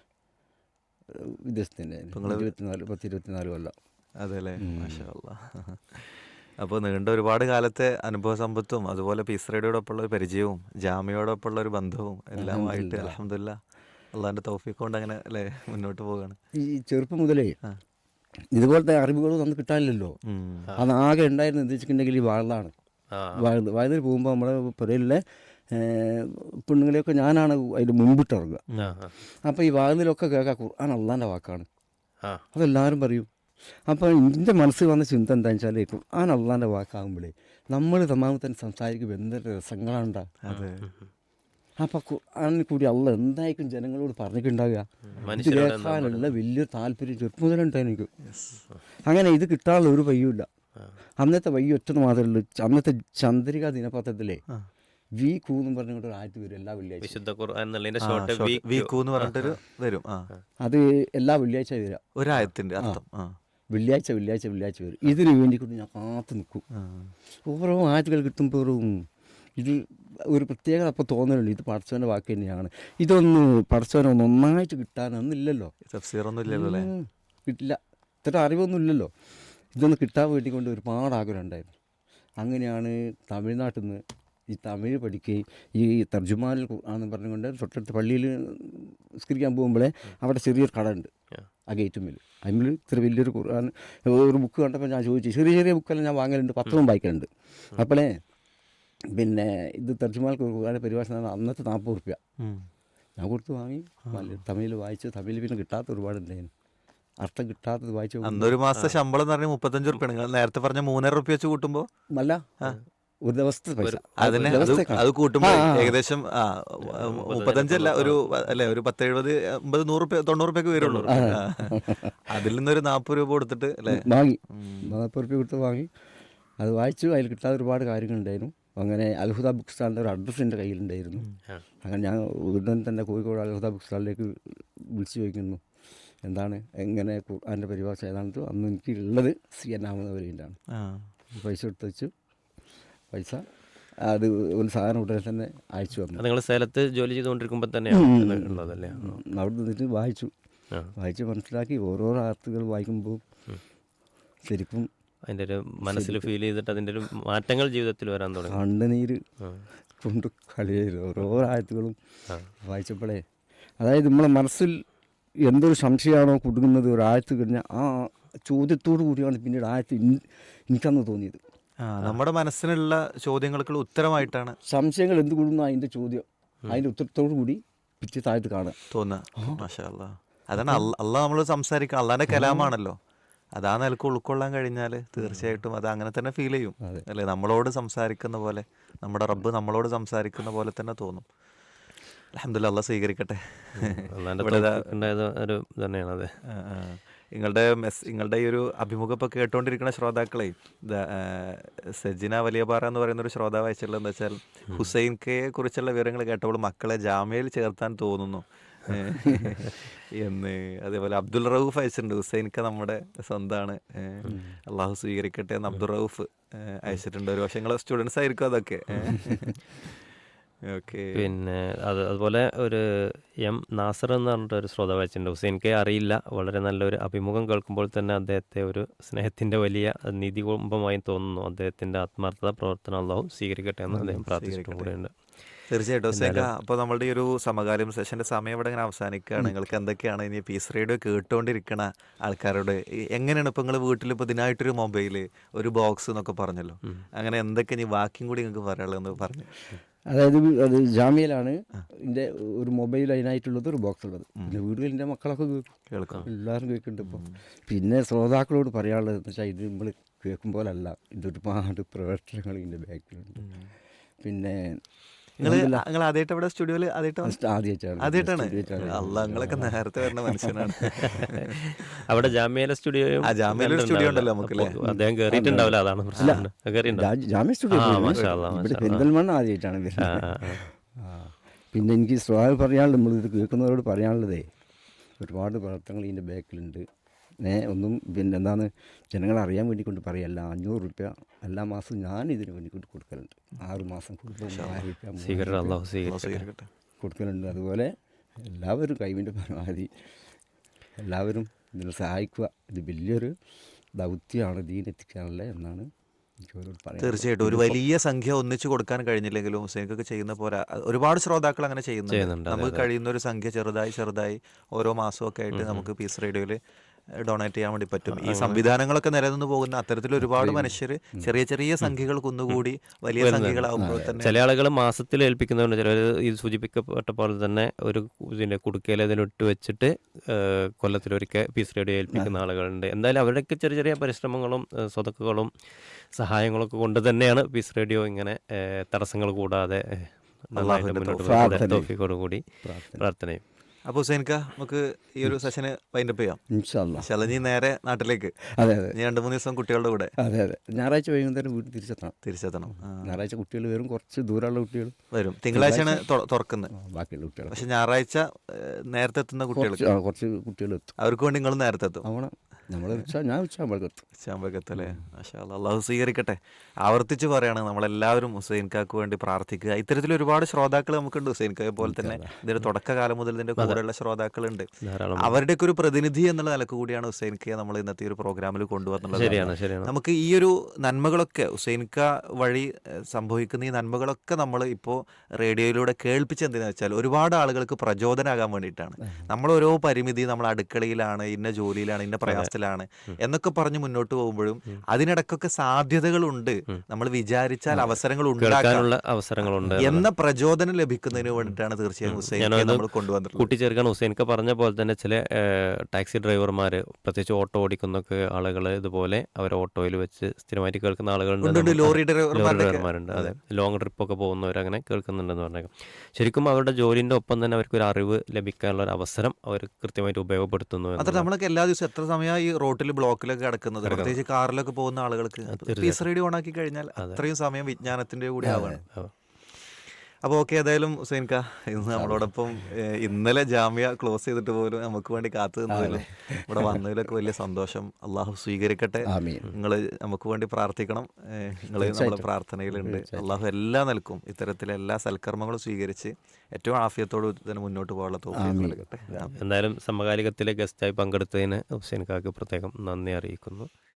[SPEAKER 3] വിദേശത്തിൻ്റെ ഇരുപത്തിനാല് പത്ത് ഇരുപത്തിനാല് കൊല്ലം.
[SPEAKER 1] അതെ അല്ലേ. മാഷാ അല്ലാ. അപ്പോൾ നീണ്ട ഒരുപാട് കാലത്തെ അനുഭവ സമ്പത്തും അതുപോലെ പീസ് റേഡിയോടൊപ്പമുള്ള ഒരു പരിചയവും ജാമ്യയോടൊപ്പമുള്ള ഒരു ബന്ധവും എല്ലാമായിട്ട് അൽഹംദുലില്ലാ അള്ളാഹിൻ്റെ തൗഫീഖ് കൊണ്ട് അങ്ങനെ അല്ലേ മുന്നോട്ട് പോവുകയാണ്.
[SPEAKER 3] ഈ ചെറുപ്പം മുതലേ ഇതുപോലത്തെ അറിവുകളും നമുക്ക് കിട്ടാനില്ലല്ലോ. അത് ആകെ ഉണ്ടായിരുന്നത് എന്താ വെച്ചിട്ടുണ്ടെങ്കിൽ ഈ വാഴലാണ്. വാഴ വാഴയിൽ പോകുമ്പോൾ നമ്മുടെ പുരയിലെ പെണ്ണുങ്ങളെയൊക്കെ ഞാനാണ് അതിൻ്റെ മുൻപിട്ട് ഇറങ്ങുക. അപ്പോൾ ഈ വാഴയിലൊക്കെ കേൾക്കുക ഖുർആൻ അള്ളാൻ്റെ വാക്കാണ്, അതെല്ലാവരും പറയും. അപ്പോൾ എൻ്റെ മനസ്സിൽ വന്ന ചിന്ത എന്താണെന്ന് വെച്ചാൽ ഖുർആൻ അള്ളാൻ്റെ വാക്കാകുമ്പോഴേ നമ്മൾ തമ്മിൽ തന്നെ സംസാരിക്കുമ്പോൾ എന്തൊരു രസങ്ങളുണ്ടാകും. അപ്പോൾ ഖുർആനിൽ കൂടി അള്ള എന്തായിരിക്കും ജനങ്ങളോട് പറഞ്ഞിട്ടുണ്ടാകുക. ഇത് കേൾക്കാനുള്ള വലിയൊരു താല്പര്യം ചെറുപ്പം മുതലുണ്ടായി എനിക്ക്. അങ്ങനെ ഇത് കിട്ടാനുള്ള ഒരു വയ്യുമില്ല. അന്നത്തെ വയ്യ ഒറ്റ മാത്രമേ ഉള്ളൂ. അന്നത്തെ ചന്ദ്രിക ദിനപത്രത്തിലെ വി കൂ എന്ന് പറഞ്ഞുകൊണ്ട് ഒരു ആഴ്ച വരും എല്ലാ വെള്ളിയാഴ്ച.
[SPEAKER 2] വിശുദ്ധ ഖുർആൻ എന്നുള്ളതിന്റെ ഷോർട്ട് വീക്കു
[SPEAKER 1] എന്ന് പറഞ്ഞിട്ടൊരു വരും.
[SPEAKER 3] അത് എല്ലാ വെള്ളിയാഴ്ച വരിക,
[SPEAKER 1] ഒരായത്തിൻ്റെ അർത്ഥം.
[SPEAKER 3] വെള്ളിയാഴ്ച വെള്ളിയാഴ്ച വെള്ളിയാഴ്ച വരും. ഇതിന് വേണ്ടിക്കൊണ്ട് ഞാൻ കാത്തു നിൽക്കും. ഓരോ ആഴ്ചകൾ കിട്ടുമ്പോഴും ഇത് ഒരു പ്രത്യേകത അപ്പോൾ തോന്നലുണ്ട്, ഇത് പടച്ചവൻ്റെ വാക്ക് തന്നെയാണ്. ഇതൊന്ന് പടച്ചവനൊന്ന് ഒന്നായിട്ട് കിട്ടാനൊന്നുമില്ലല്ലോ,
[SPEAKER 1] തഫ്സീറൊന്നും ഇല്ലല്ലോ അല്ലേ,
[SPEAKER 3] കിട്ടില്ല, ഇത്ര അറിവൊന്നും ഇല്ലല്ലോ. ഇതൊന്ന് കിട്ടാൻ വേണ്ടി കൊണ്ട് ഒരുപാട് ആഗ്രഹം ഉണ്ടായിരുന്നു. അങ്ങനെയാണ് തമിഴ്നാട്ടിൽ നിന്ന് ഈ തമിഴ് പഠിക്കുകയും ഈ തർജുമാനിൽ ആണെന്ന് പറഞ്ഞുകൊണ്ട് തൊട്ടടുത്ത് പള്ളിയിൽ നിസ്കരിക്കാൻ പോകുമ്പോഴേ അവിടെ ചെറിയൊരു കട ഉണ്ട് ആ ഗേറ്റുമ്മിൽ. അതിൽ ഇത്ര വലിയൊരു ഖുർആൻ ഒരു ബുക്ക് കണ്ടപ്പോൾ ഞാൻ ചോദിച്ചു, ചെറിയ ചെറിയ ബുക്കെല്ലാം ഞാൻ വാങ്ങലുണ്ട്, പത്രവും വായിക്കലുണ്ട്. അപ്പോഴേ പിന്നെ ഇത് തർജുമാൽ ഖുർആൻ്റെ പരിഭാഷ അന്നത്തെ നാൽപ്പത് റുപ്യ ഞാൻ കൊടുത്ത് വാങ്ങി. തമിഴിൽ വായിച്ച് തമിഴിൽ പിന്നെ കിട്ടാത്ത ഒരുപാടുണ്ടായിരുന്നു, അർത്ഥം കിട്ടാത്തത് വായിച്ചു.
[SPEAKER 1] അന്നൊരു മാസത്തെ ശമ്പളം എന്ന് പറഞ്ഞാൽ മുപ്പത്തഞ്ച് റുപ്യ. നിങ്ങൾ നേരത്തെ പറഞ്ഞ മൂന്നര റുപ്യ വെച്ച് കൂട്ടുമ്പോൾ
[SPEAKER 3] അല്ല ഒരു ദിവസത്തെ പൈസ
[SPEAKER 1] അതിനെ അത് കൂട്ടുമ്പോൾ ഏകദേശം ആ മുപ്പത്തഞ്ചല്ല ഒരു അല്ലേ ഒരു പത്ത് എഴുപത് അമ്പത് നൂറ് റുപ്യ തൊണ്ണൂറ് റുപ്യക്ക് വരുള്ളൂ. അതിൽ നിന്നൊരു നാൽപ്പത് രൂപ കൊടുത്തിട്ട് അല്ലേ വാങ്ങി,
[SPEAKER 3] നാൽപ്പത് റുപ്യ കൊടുത്ത് വാങ്ങി. അത് വായിച്ചു. അതിൽ കിട്ടാത്ത ഒരുപാട് കാര്യങ്ങളുണ്ടായിരുന്നു. അങ്ങനെ അൽഹുദ ബുക്ക് സ്റ്റാളിൻ്റെ ഒരു അഡ്രസ്സ് എൻ്റെ കയ്യിലുണ്ടായിരുന്നു. അങ്ങനെ ഞാൻ ഉടൻ തന്നെ കോഴിക്കോട് അൽഹുദ ബുക്ക് സ്റ്റാളിലേക്ക് വിളിച്ചു ചോദിക്കുന്നു, എന്താണ് എങ്ങനെ ഖുർആൻ്റെ പരിഭാഷ ഏതാണെന്ന്. അന്ന് എനിക്ക് ഉള്ളത് സി എൻ അഹമ്മദ് വരെയാണ്. പൈസ എടുത്ത് വെച്ചു. പൈസ അത് ഒരു സാധനം ഉടനെ തന്നെ അയച്ചു വന്നു.
[SPEAKER 2] നിങ്ങൾ സേലത്ത് ജോലി ചെയ്തുകൊണ്ടിരിക്കുമ്പോൾ തന്നെയാണ് ഉള്ളതല്ലേ?
[SPEAKER 3] അവിടെ നിന്നിട്ട് വായിച്ചു വായിച്ച് മനസ്സിലാക്കി ഓരോരോ ആർത്തുകൾ വായിക്കുമ്പോൾ ശരിക്കും
[SPEAKER 2] അതിൻ്റെ ഒരു മനസ്സിൽ ഫീൽ ചെയ്തിട്ട് അതിൻ്റെ ഒരു മാറ്റങ്ങൾ ജീവിതത്തിൽ വരാൻ തുടങ്ങി.
[SPEAKER 3] കണ്ണുനീര് കൊണ്ട് കളിയായിരുന്നു ഓരോ ആയത്തുകളും വായിച്ചപ്പോഴേ. അതായത് നമ്മളെ മനസ്സിൽ എന്തൊരു സംശയമാണോ കുടുങ്ങുന്നത് ഒരു ആയത്ത് കഴിഞ്ഞാൽ ആ ചോദ്യത്തോടു കൂടിയാണ് പിന്നീട് ആയത്ത് എനിക്കന്ന് തോന്നിയത്.
[SPEAKER 1] ആ, നമ്മുടെ മനസ്സിനുള്ള ചോദ്യങ്ങൾക്കുള്ള ഉത്തരമായിട്ടാണ്
[SPEAKER 3] സംശയങ്ങൾ എന്ത് കൂടുന്നു അതിൻ്റെ ചോദ്യം അതിൻ്റെ ഉത്തരത്തോടു കൂടി പിറ്റേ താഴത്ത് കാണുക
[SPEAKER 1] തോന്നുക. മാഷാ അല്ലാ. അതാണ് അല്ല അള്ളാഹ് നമ്മൾ സംസാരിക്കണം, അള്ളാഹിൻ്റെ കലാമാണല്ലോ. അത് ആ നിലക്ക് ഉൾക്കൊള്ളാൻ കഴിഞ്ഞാൽ തീർച്ചയായിട്ടും അത് അങ്ങനെ തന്നെ ഫീൽ ചെയ്യും അല്ലേ? നമ്മളോട് സംസാരിക്കുന്ന പോലെ, നമ്മുടെ റബ്ബ് നമ്മളോട് സംസാരിക്കുന്ന പോലെ തന്നെ തോന്നും. അൽഹംദുലില്ലാ, അള്ളാഹ് സ്വീകരിക്കട്ടെ.
[SPEAKER 2] ഒരു തന്നെയാണത്.
[SPEAKER 1] നിങ്ങളുടെ മെസ് നിങ്ങളുടെ ഈ ഒരു അഭിമുഖം ഇപ്പോൾ കേട്ടുകൊണ്ടിരിക്കുന്ന ശ്രോതാക്കളെ, സജിന വലിയപാറ എന്ന് പറയുന്ന ഒരു ശ്രോതാവ് അയച്ചിട്ടുള്ളത് എന്താ വെച്ചാൽ, ഹുസൈൻ കെയെ കുറിച്ചുള്ള വിവരങ്ങൾ കേട്ടപ്പോൾ മക്കളെ ജാമ്യയിൽ ചേർത്താൻ തോന്നുന്നു എന്ന്. അതേപോലെ അബ്ദുൾ റൌഫ് അയച്ചിട്ടുണ്ട്, ഹുസൈൻ ക നമ്മുടെ സ്വന്തമാണ്, അള്ളാഹു സ്വീകരിക്കട്ടെ എന്ന് അബ്ദുൾ റൌഫ് അയച്ചിട്ടുണ്ട്. ഒരു പക്ഷേ നിങ്ങളെ സ്റ്റുഡൻസ് ആയിരിക്കും അതൊക്കെ. ഓക്കെ.
[SPEAKER 2] പിന്നെ അത് അതുപോലെ ഒരു എം നാസർ എന്ന് പറഞ്ഞിട്ട് ഒരു ശ്രോതാവ് അയച്ചിട്ടുണ്ട്. ഹുസൈൻ കെ അറിയില്ല, വളരെ നല്ലൊരു അഭിമുഖം കേൾക്കുമ്പോൾ തന്നെ അദ്ദേഹത്തെ ഒരു സ്നേഹത്തിൻ്റെ വലിയ നിധി കുംഭമായി തോന്നുന്നു. അദ്ദേഹത്തിൻ്റെ ആത്മാർത്ഥത പ്രവർത്തനം അള്ളാഹു സ്വീകരിക്കട്ടെ എന്ന് അദ്ദേഹം പ്രാർത്ഥിച്ചിട്ടും കൂടെയുണ്ട്.
[SPEAKER 1] തീർച്ചയായിട്ടും ഹുസൈൻ ക, അപ്പോൾ നമ്മളുടെ ഈ ഒരു സമകാലം സെഷൻ്റെ സമയം ഇവിടെ ഇങ്ങനെ അവസാനിക്കുകയാണ്. നിങ്ങൾക്ക് എന്തൊക്കെയാണ് ഇനി പീസ് റേഡിയോ കേട്ടുകൊണ്ടിരിക്കണ ആൾക്കാരോട് എങ്ങനെയാണ് ഇപ്പോൾ നിങ്ങൾ വീട്ടിൽ ഇപ്പോൾ ഇതിനായിട്ടൊരു മൊബൈൽ, ഒരു ബോക്സ് എന്നൊക്കെ പറഞ്ഞല്ലോ, അങ്ങനെ എന്തൊക്കെ ഇനി ബാക്കിയും കൂടി നിങ്ങൾക്ക് പറയാനുള്ളതെന്ന് പറഞ്ഞു.
[SPEAKER 3] അതായത് അത് ജാമ്യയിലാണ് എൻ്റെ ഒരു മൊബൈൽ അതിനായിട്ടുള്ളത്, ഒരു ബോക്സ് ഉള്ളത്. പിന്നെ വീടുകളിൽ എൻ്റെ മക്കളൊക്കെ കേൾക്കും, എല്ലാവരും കേൾക്കുന്നുണ്ട് ഇപ്പോൾ. പിന്നെ ശ്രോതാക്കളോട് പറയാനുള്ളത് എന്ന് വെച്ചാൽ ഇത് നമ്മൾ കേൾക്കുമ്പോഴല്ല, ഇതൊരുപാട് പ്രവർത്തനങ്ങൾ ഇതിൻ്റെ ബാക്കിലുണ്ട്. പിന്നെ
[SPEAKER 1] നിങ്ങൾ നിങ്ങൾ ആദ്യമായിട്ട് ഇവിടെ സ്റ്റുഡിയോയിൽ ആദ്യമായിട്ടാണ് ആദ്യമായിട്ടാണ് അല്ല നിങ്ങളൊക്കെ നേരത്തെ വരുന്ന മനുഷ്യനാണ്.
[SPEAKER 2] അവിടെ ജാമ്യയിലെ സ്റ്റുഡിയോ
[SPEAKER 1] ജാമ്യയിലെ സ്റ്റുഡിയോ ഉണ്ടല്ലോ നമുക്ക്.
[SPEAKER 2] അദ്ദേഹം കയറിയിട്ടുണ്ടാവില്ല, അതാണ് പ്രശ്നം.
[SPEAKER 3] ജാമ്യ സ്റ്റുഡിയോ പെരിന്തൽമണ്ണ ആദ്യമായിട്ടാണ് വരുന്നത്. പിന്നെ എനിക്ക് ശ്രോതാവ് പറയാനുള്ളത്, നമ്മളിത് കേൾക്കുന്നവരോട് പറയാനുള്ളതേ, ഒരുപാട് പ്രവർത്തനങ്ങൾ ഇതിൻ്റെ ബാക്കിലുണ്ട്. ഏ ഒന്നും പിന്നെ എന്താണ് ജനങ്ങളെ അറിയാൻ വേണ്ടി കൊണ്ട് പറയല്ല, അഞ്ഞൂറ് റുപ്യ എല്ലാ മാസവും ഞാൻ ഇതിന് വേണ്ടി കൊണ്ട് കൊടുക്കലുണ്ട്. ആറ് മാസം കൊടുക്കുമ്പോൾ ആയിരം റുപ്യ കൊടുക്കലുണ്ട്. അതുപോലെ എല്ലാവരും കൈവിൻ്റെ പരമാവധി എല്ലാവരും ഇതിനെ സഹായിക്കുക. ഇത് വലിയൊരു ദൗത്യമാണ് ദീനെത്തിക്കാനുള്ള എന്നാണ്
[SPEAKER 1] തീർച്ചയായിട്ടും. ഒരു വലിയ സംഖ്യ ഒന്നിച്ചു കൊടുക്കാൻ കഴിഞ്ഞില്ലെങ്കിലും ഹുസൈൻക്കൊക്കെ ചെയ്യുന്ന പോലെ ഒരുപാട് ശ്രോതാക്കൾ അങ്ങനെ ചെയ്യുന്നുണ്ട്. നമുക്ക് കഴിയുന്ന ഒരു സംഖ്യ ചെറുതായി ചെറുതായി ഓരോ മാസമൊക്കെ ആയിട്ട് നമുക്ക് പീസ് റേഡിയോയിൽ ഡൊണേറ്റ് ചെയ്യാൻ വേണ്ടി പറ്റും. ഈ സംവിധാനങ്ങളൊക്കെ നിലനിന്ന് പോകുന്ന അത്തരത്തിൽ ഒരുപാട് മനുഷ്യർ ചെറിയ ചെറിയ സംഖ്യകൾ കുന്നുകൂടി വലിയ സംഖ്യകളാകുമ്പോൾ തന്നെ
[SPEAKER 2] ചില ആളുകൾ മാസത്തിൽ ഏൽപ്പിക്കുന്നതുകൊണ്ട് ചിലർ ഇത് സൂചിപ്പിക്കപ്പെട്ട പോലെ തന്നെ ഒരു ഇതിൻ്റെ കുടുക്കയിൽ അതിലിട്ട് വെച്ചിട്ട് കൊല്ലത്തിലൊരിക്കൽ പീസ് റേഡിയോ ഏൽപ്പിക്കുന്ന ആളുകളുണ്ട്. എന്തായാലും അവരുടെയൊക്കെ ചെറിയ ചെറിയ പരിശ്രമങ്ങളും സ്വതക്കുകളും സഹായങ്ങളൊക്കെ കൊണ്ട് തന്നെയാണ് പീസ് റേഡിയോ ഇങ്ങനെ തടസ്സങ്ങൾ കൂടാതെ നന്നായിട്ട് മുന്നോട്ട് പോകുന്നത്. തോഫീക്കോടുകൂടി പ്രാർത്ഥനയും.
[SPEAKER 1] അപ്പോൾ ഹുസൈൻക്ക, നമുക്ക് ഈ ഒരു സെഷന് വൈൻഡപ്പ് ചെയ്യാം ഇൻഷാല്ലാ. നീ നേരെ നാട്ടിലേക്ക്.
[SPEAKER 3] അതെ അതെ,
[SPEAKER 1] നീ രണ്ട് മൂന്ന് ദിവസം കുട്ടികളുടെ കൂടെ.
[SPEAKER 3] അതെ അതെ, ഞായറാഴ്ച വൈകുന്നേരം വീട്ടിൽ തിരിച്ചെത്തണം.
[SPEAKER 1] തിരിച്ചെത്തണം
[SPEAKER 3] ഞായറാഴ്ച കുട്ടികൾ വരും, കുറച്ച് ദൂരമുള്ള കുട്ടികൾ
[SPEAKER 1] വരും. തിങ്കളാഴ്ചയാണ് തുറക്കുന്നത്
[SPEAKER 3] ബാക്കിയുള്ള കുട്ടികൾ.
[SPEAKER 1] പക്ഷെ ഞായറാഴ്ച നേരത്തെ എത്തുന്ന കുട്ടികൾ
[SPEAKER 3] കുറച്ച് കുട്ടികൾ എത്തും.
[SPEAKER 1] അവർക്ക് വേണ്ടി നിങ്ങൾ നേരത്തെ എത്തും.
[SPEAKER 3] ആവണം. നമ്മൾ ഞാൻ ഉച്ചയാകുമ്പോഴേക്കെത്തും.
[SPEAKER 1] ഉച്ചയാകുമ്പോഴേക്കെത്തല്ലേ? മാഷാ അല്ലാ, അള്ളാഹു സ്വീകരിക്കട്ടെ. ആവർത്തിച്ച് പറയാണ്, നമ്മളെല്ലാവരും ഹുസൈൻക്കാക്ക് വേണ്ടി പ്രാർത്ഥിക്കുക. ഇത്തരത്തിൽ ഒരുപാട് ശ്രോതാക്കൾ നമുക്കുണ്ട്. ഹുസൈൻക്കായെ പോലെ തന്നെ ഇതിന്റെ തുടക്കകാലം മുതൽ ഇതിന്റെ കൂടെയുള്ള ശ്രോതാക്കളുണ്ട്. അവരുടെയൊക്കെ ഒരു പ്രതിനിധി എന്നുള്ള നിലക്ക് കൂടിയാണ് ഹുസൈൻക്കയെ നമ്മൾ ഇന്നത്തെ ഒരു പ്രോഗ്രാമിൽ കൊണ്ടുവന്നുള്ളത്. നമുക്ക് ഈ ഒരു നന്മകളൊക്കെ ഹുസൈൻക്ക വഴി സംഭവിക്കുന്ന ഈ നന്മകളൊക്കെ നമ്മൾ ഇപ്പോൾ റേഡിയോയിലൂടെ കേൾപ്പിച്ചെന്തിനാ വെച്ചാൽ ഒരുപാട് ആളുകൾക്ക് പ്രചോദനമാകാൻ വേണ്ടിയിട്ടാണ്. നമ്മൾ ഓരോ പരിമിതി, നമ്മൾ അടുക്കളയിലാണ്, ഇന്ന ജോലിയിലാണ്, ഇന്ന പ്രയാസത്തിലാണ് എന്നൊക്കെ പറഞ്ഞ് മുന്നോട്ട് പോകുമ്പോഴും അതിനിടക്കൊക്കെ സാധ്യതകളുണ്ട്, നമ്മൾ വിചാരിച്ചാൽ അവസരങ്ങൾ ഉണ്ടാക്കാനുള്ള
[SPEAKER 2] അവസരങ്ങളുണ്ട്
[SPEAKER 1] എന്ന പ്രചോദനം ലഭിക്കുന്നതിന് വേണ്ടിയിട്ടാണ് തീർച്ചയായും ഹുസൈൻക്കയെ നമ്മൾ കൊണ്ടുവന്നിട്ടുള്ളത്.
[SPEAKER 2] കൂട്ടിച്ചേർക്കാൻ ഹുസൈൻക്ക പറഞ്ഞ പോലെ തന്നെ ചില ടാക്സി ഡ്രൈവർമാർ, പ്രത്യേകിച്ച് ഓട്ടോ ഓടിക്കുന്നൊക്കെ ആളുകൾ, ഇതുപോലെ അവർ ഓട്ടോയിൽ വെച്ച് സ്ഥിരമായിട്ട് കേൾക്കുന്ന ആളുകളുണ്ട്,
[SPEAKER 1] ലോറി
[SPEAKER 2] ഡ്രൈവർമാരുണ്ട്. അതെ, ലോങ് ട്രിപ്പൊക്കെ പോകുന്നവർ അങ്ങനെ കേൾക്കുന്നുണ്ടെന്ന് പറഞ്ഞേക്കാം. ശരിക്കും അവരുടെ ജോലിൻ്റെ ഒപ്പം തന്നെ അവർക്കൊരു അറിവ് ലഭിക്കാനുള്ള ഒരു അവസരം അവർ കൃത്യമായിട്ട് ഉപയോഗപ്പെടുത്തുന്നു.
[SPEAKER 1] അത്ര നമ്മളൊക്കെ എല്ലാ ദിവസവും എത്ര സമയം ഈ റോട്ടിൽ ബ്ലോക്കിലൊക്കെ കിടക്കുന്നത്, പ്രത്യേകിച്ച് കാറിലൊക്കെ പോകുന്ന ആളുകൾക്ക് പീസ് റേഡിയോ ഓൺ ആക്കി കഴിഞ്ഞാൽ അത്രയും സമയം വിജ്ഞാനത്തിന്റെ കൂടി ആവാണ്. അപ്പോൾ ഓക്കെ, ഏതായാലും ഹുസൈൻക്ക ഇന്ന് നമ്മളോടൊപ്പം ഇന്നലെ ജാമ്യ ക്ലോസ് ചെയ്തിട്ട് പോലും നമുക്ക് വേണ്ടി കാത്തു നിന്നതിലും ഇവിടെ വന്നതിലൊക്കെ വലിയ സന്തോഷം. അള്ളാഹു സ്വീകരിക്കട്ടെ. നിങ്ങൾ നമുക്ക് വേണ്ടി പ്രാർത്ഥിക്കണം. നിങ്ങൾ നമ്മുടെ പ്രാർത്ഥനയിലുണ്ട്. അള്ളാഹു എല്ലാ നിലക്കും ഇത്തരത്തിലെ എല്ലാ സൽക്കർമ്മങ്ങളും സ്വീകരിച്ച് ഏറ്റവും ആഫിയത്തോട് തന്നെ മുന്നോട്ട് പോകാനുള്ള തോഫീക്ക് നൽകട്ടെ.
[SPEAKER 2] എന്തായാലും സമകാലികത്തിലെ ഗസ്റ്റായി പങ്കെടുത്തതിന് ഹുസൈൻക്കാക്ക് പ്രത്യേകം നന്ദി അറിയിക്കുന്നു.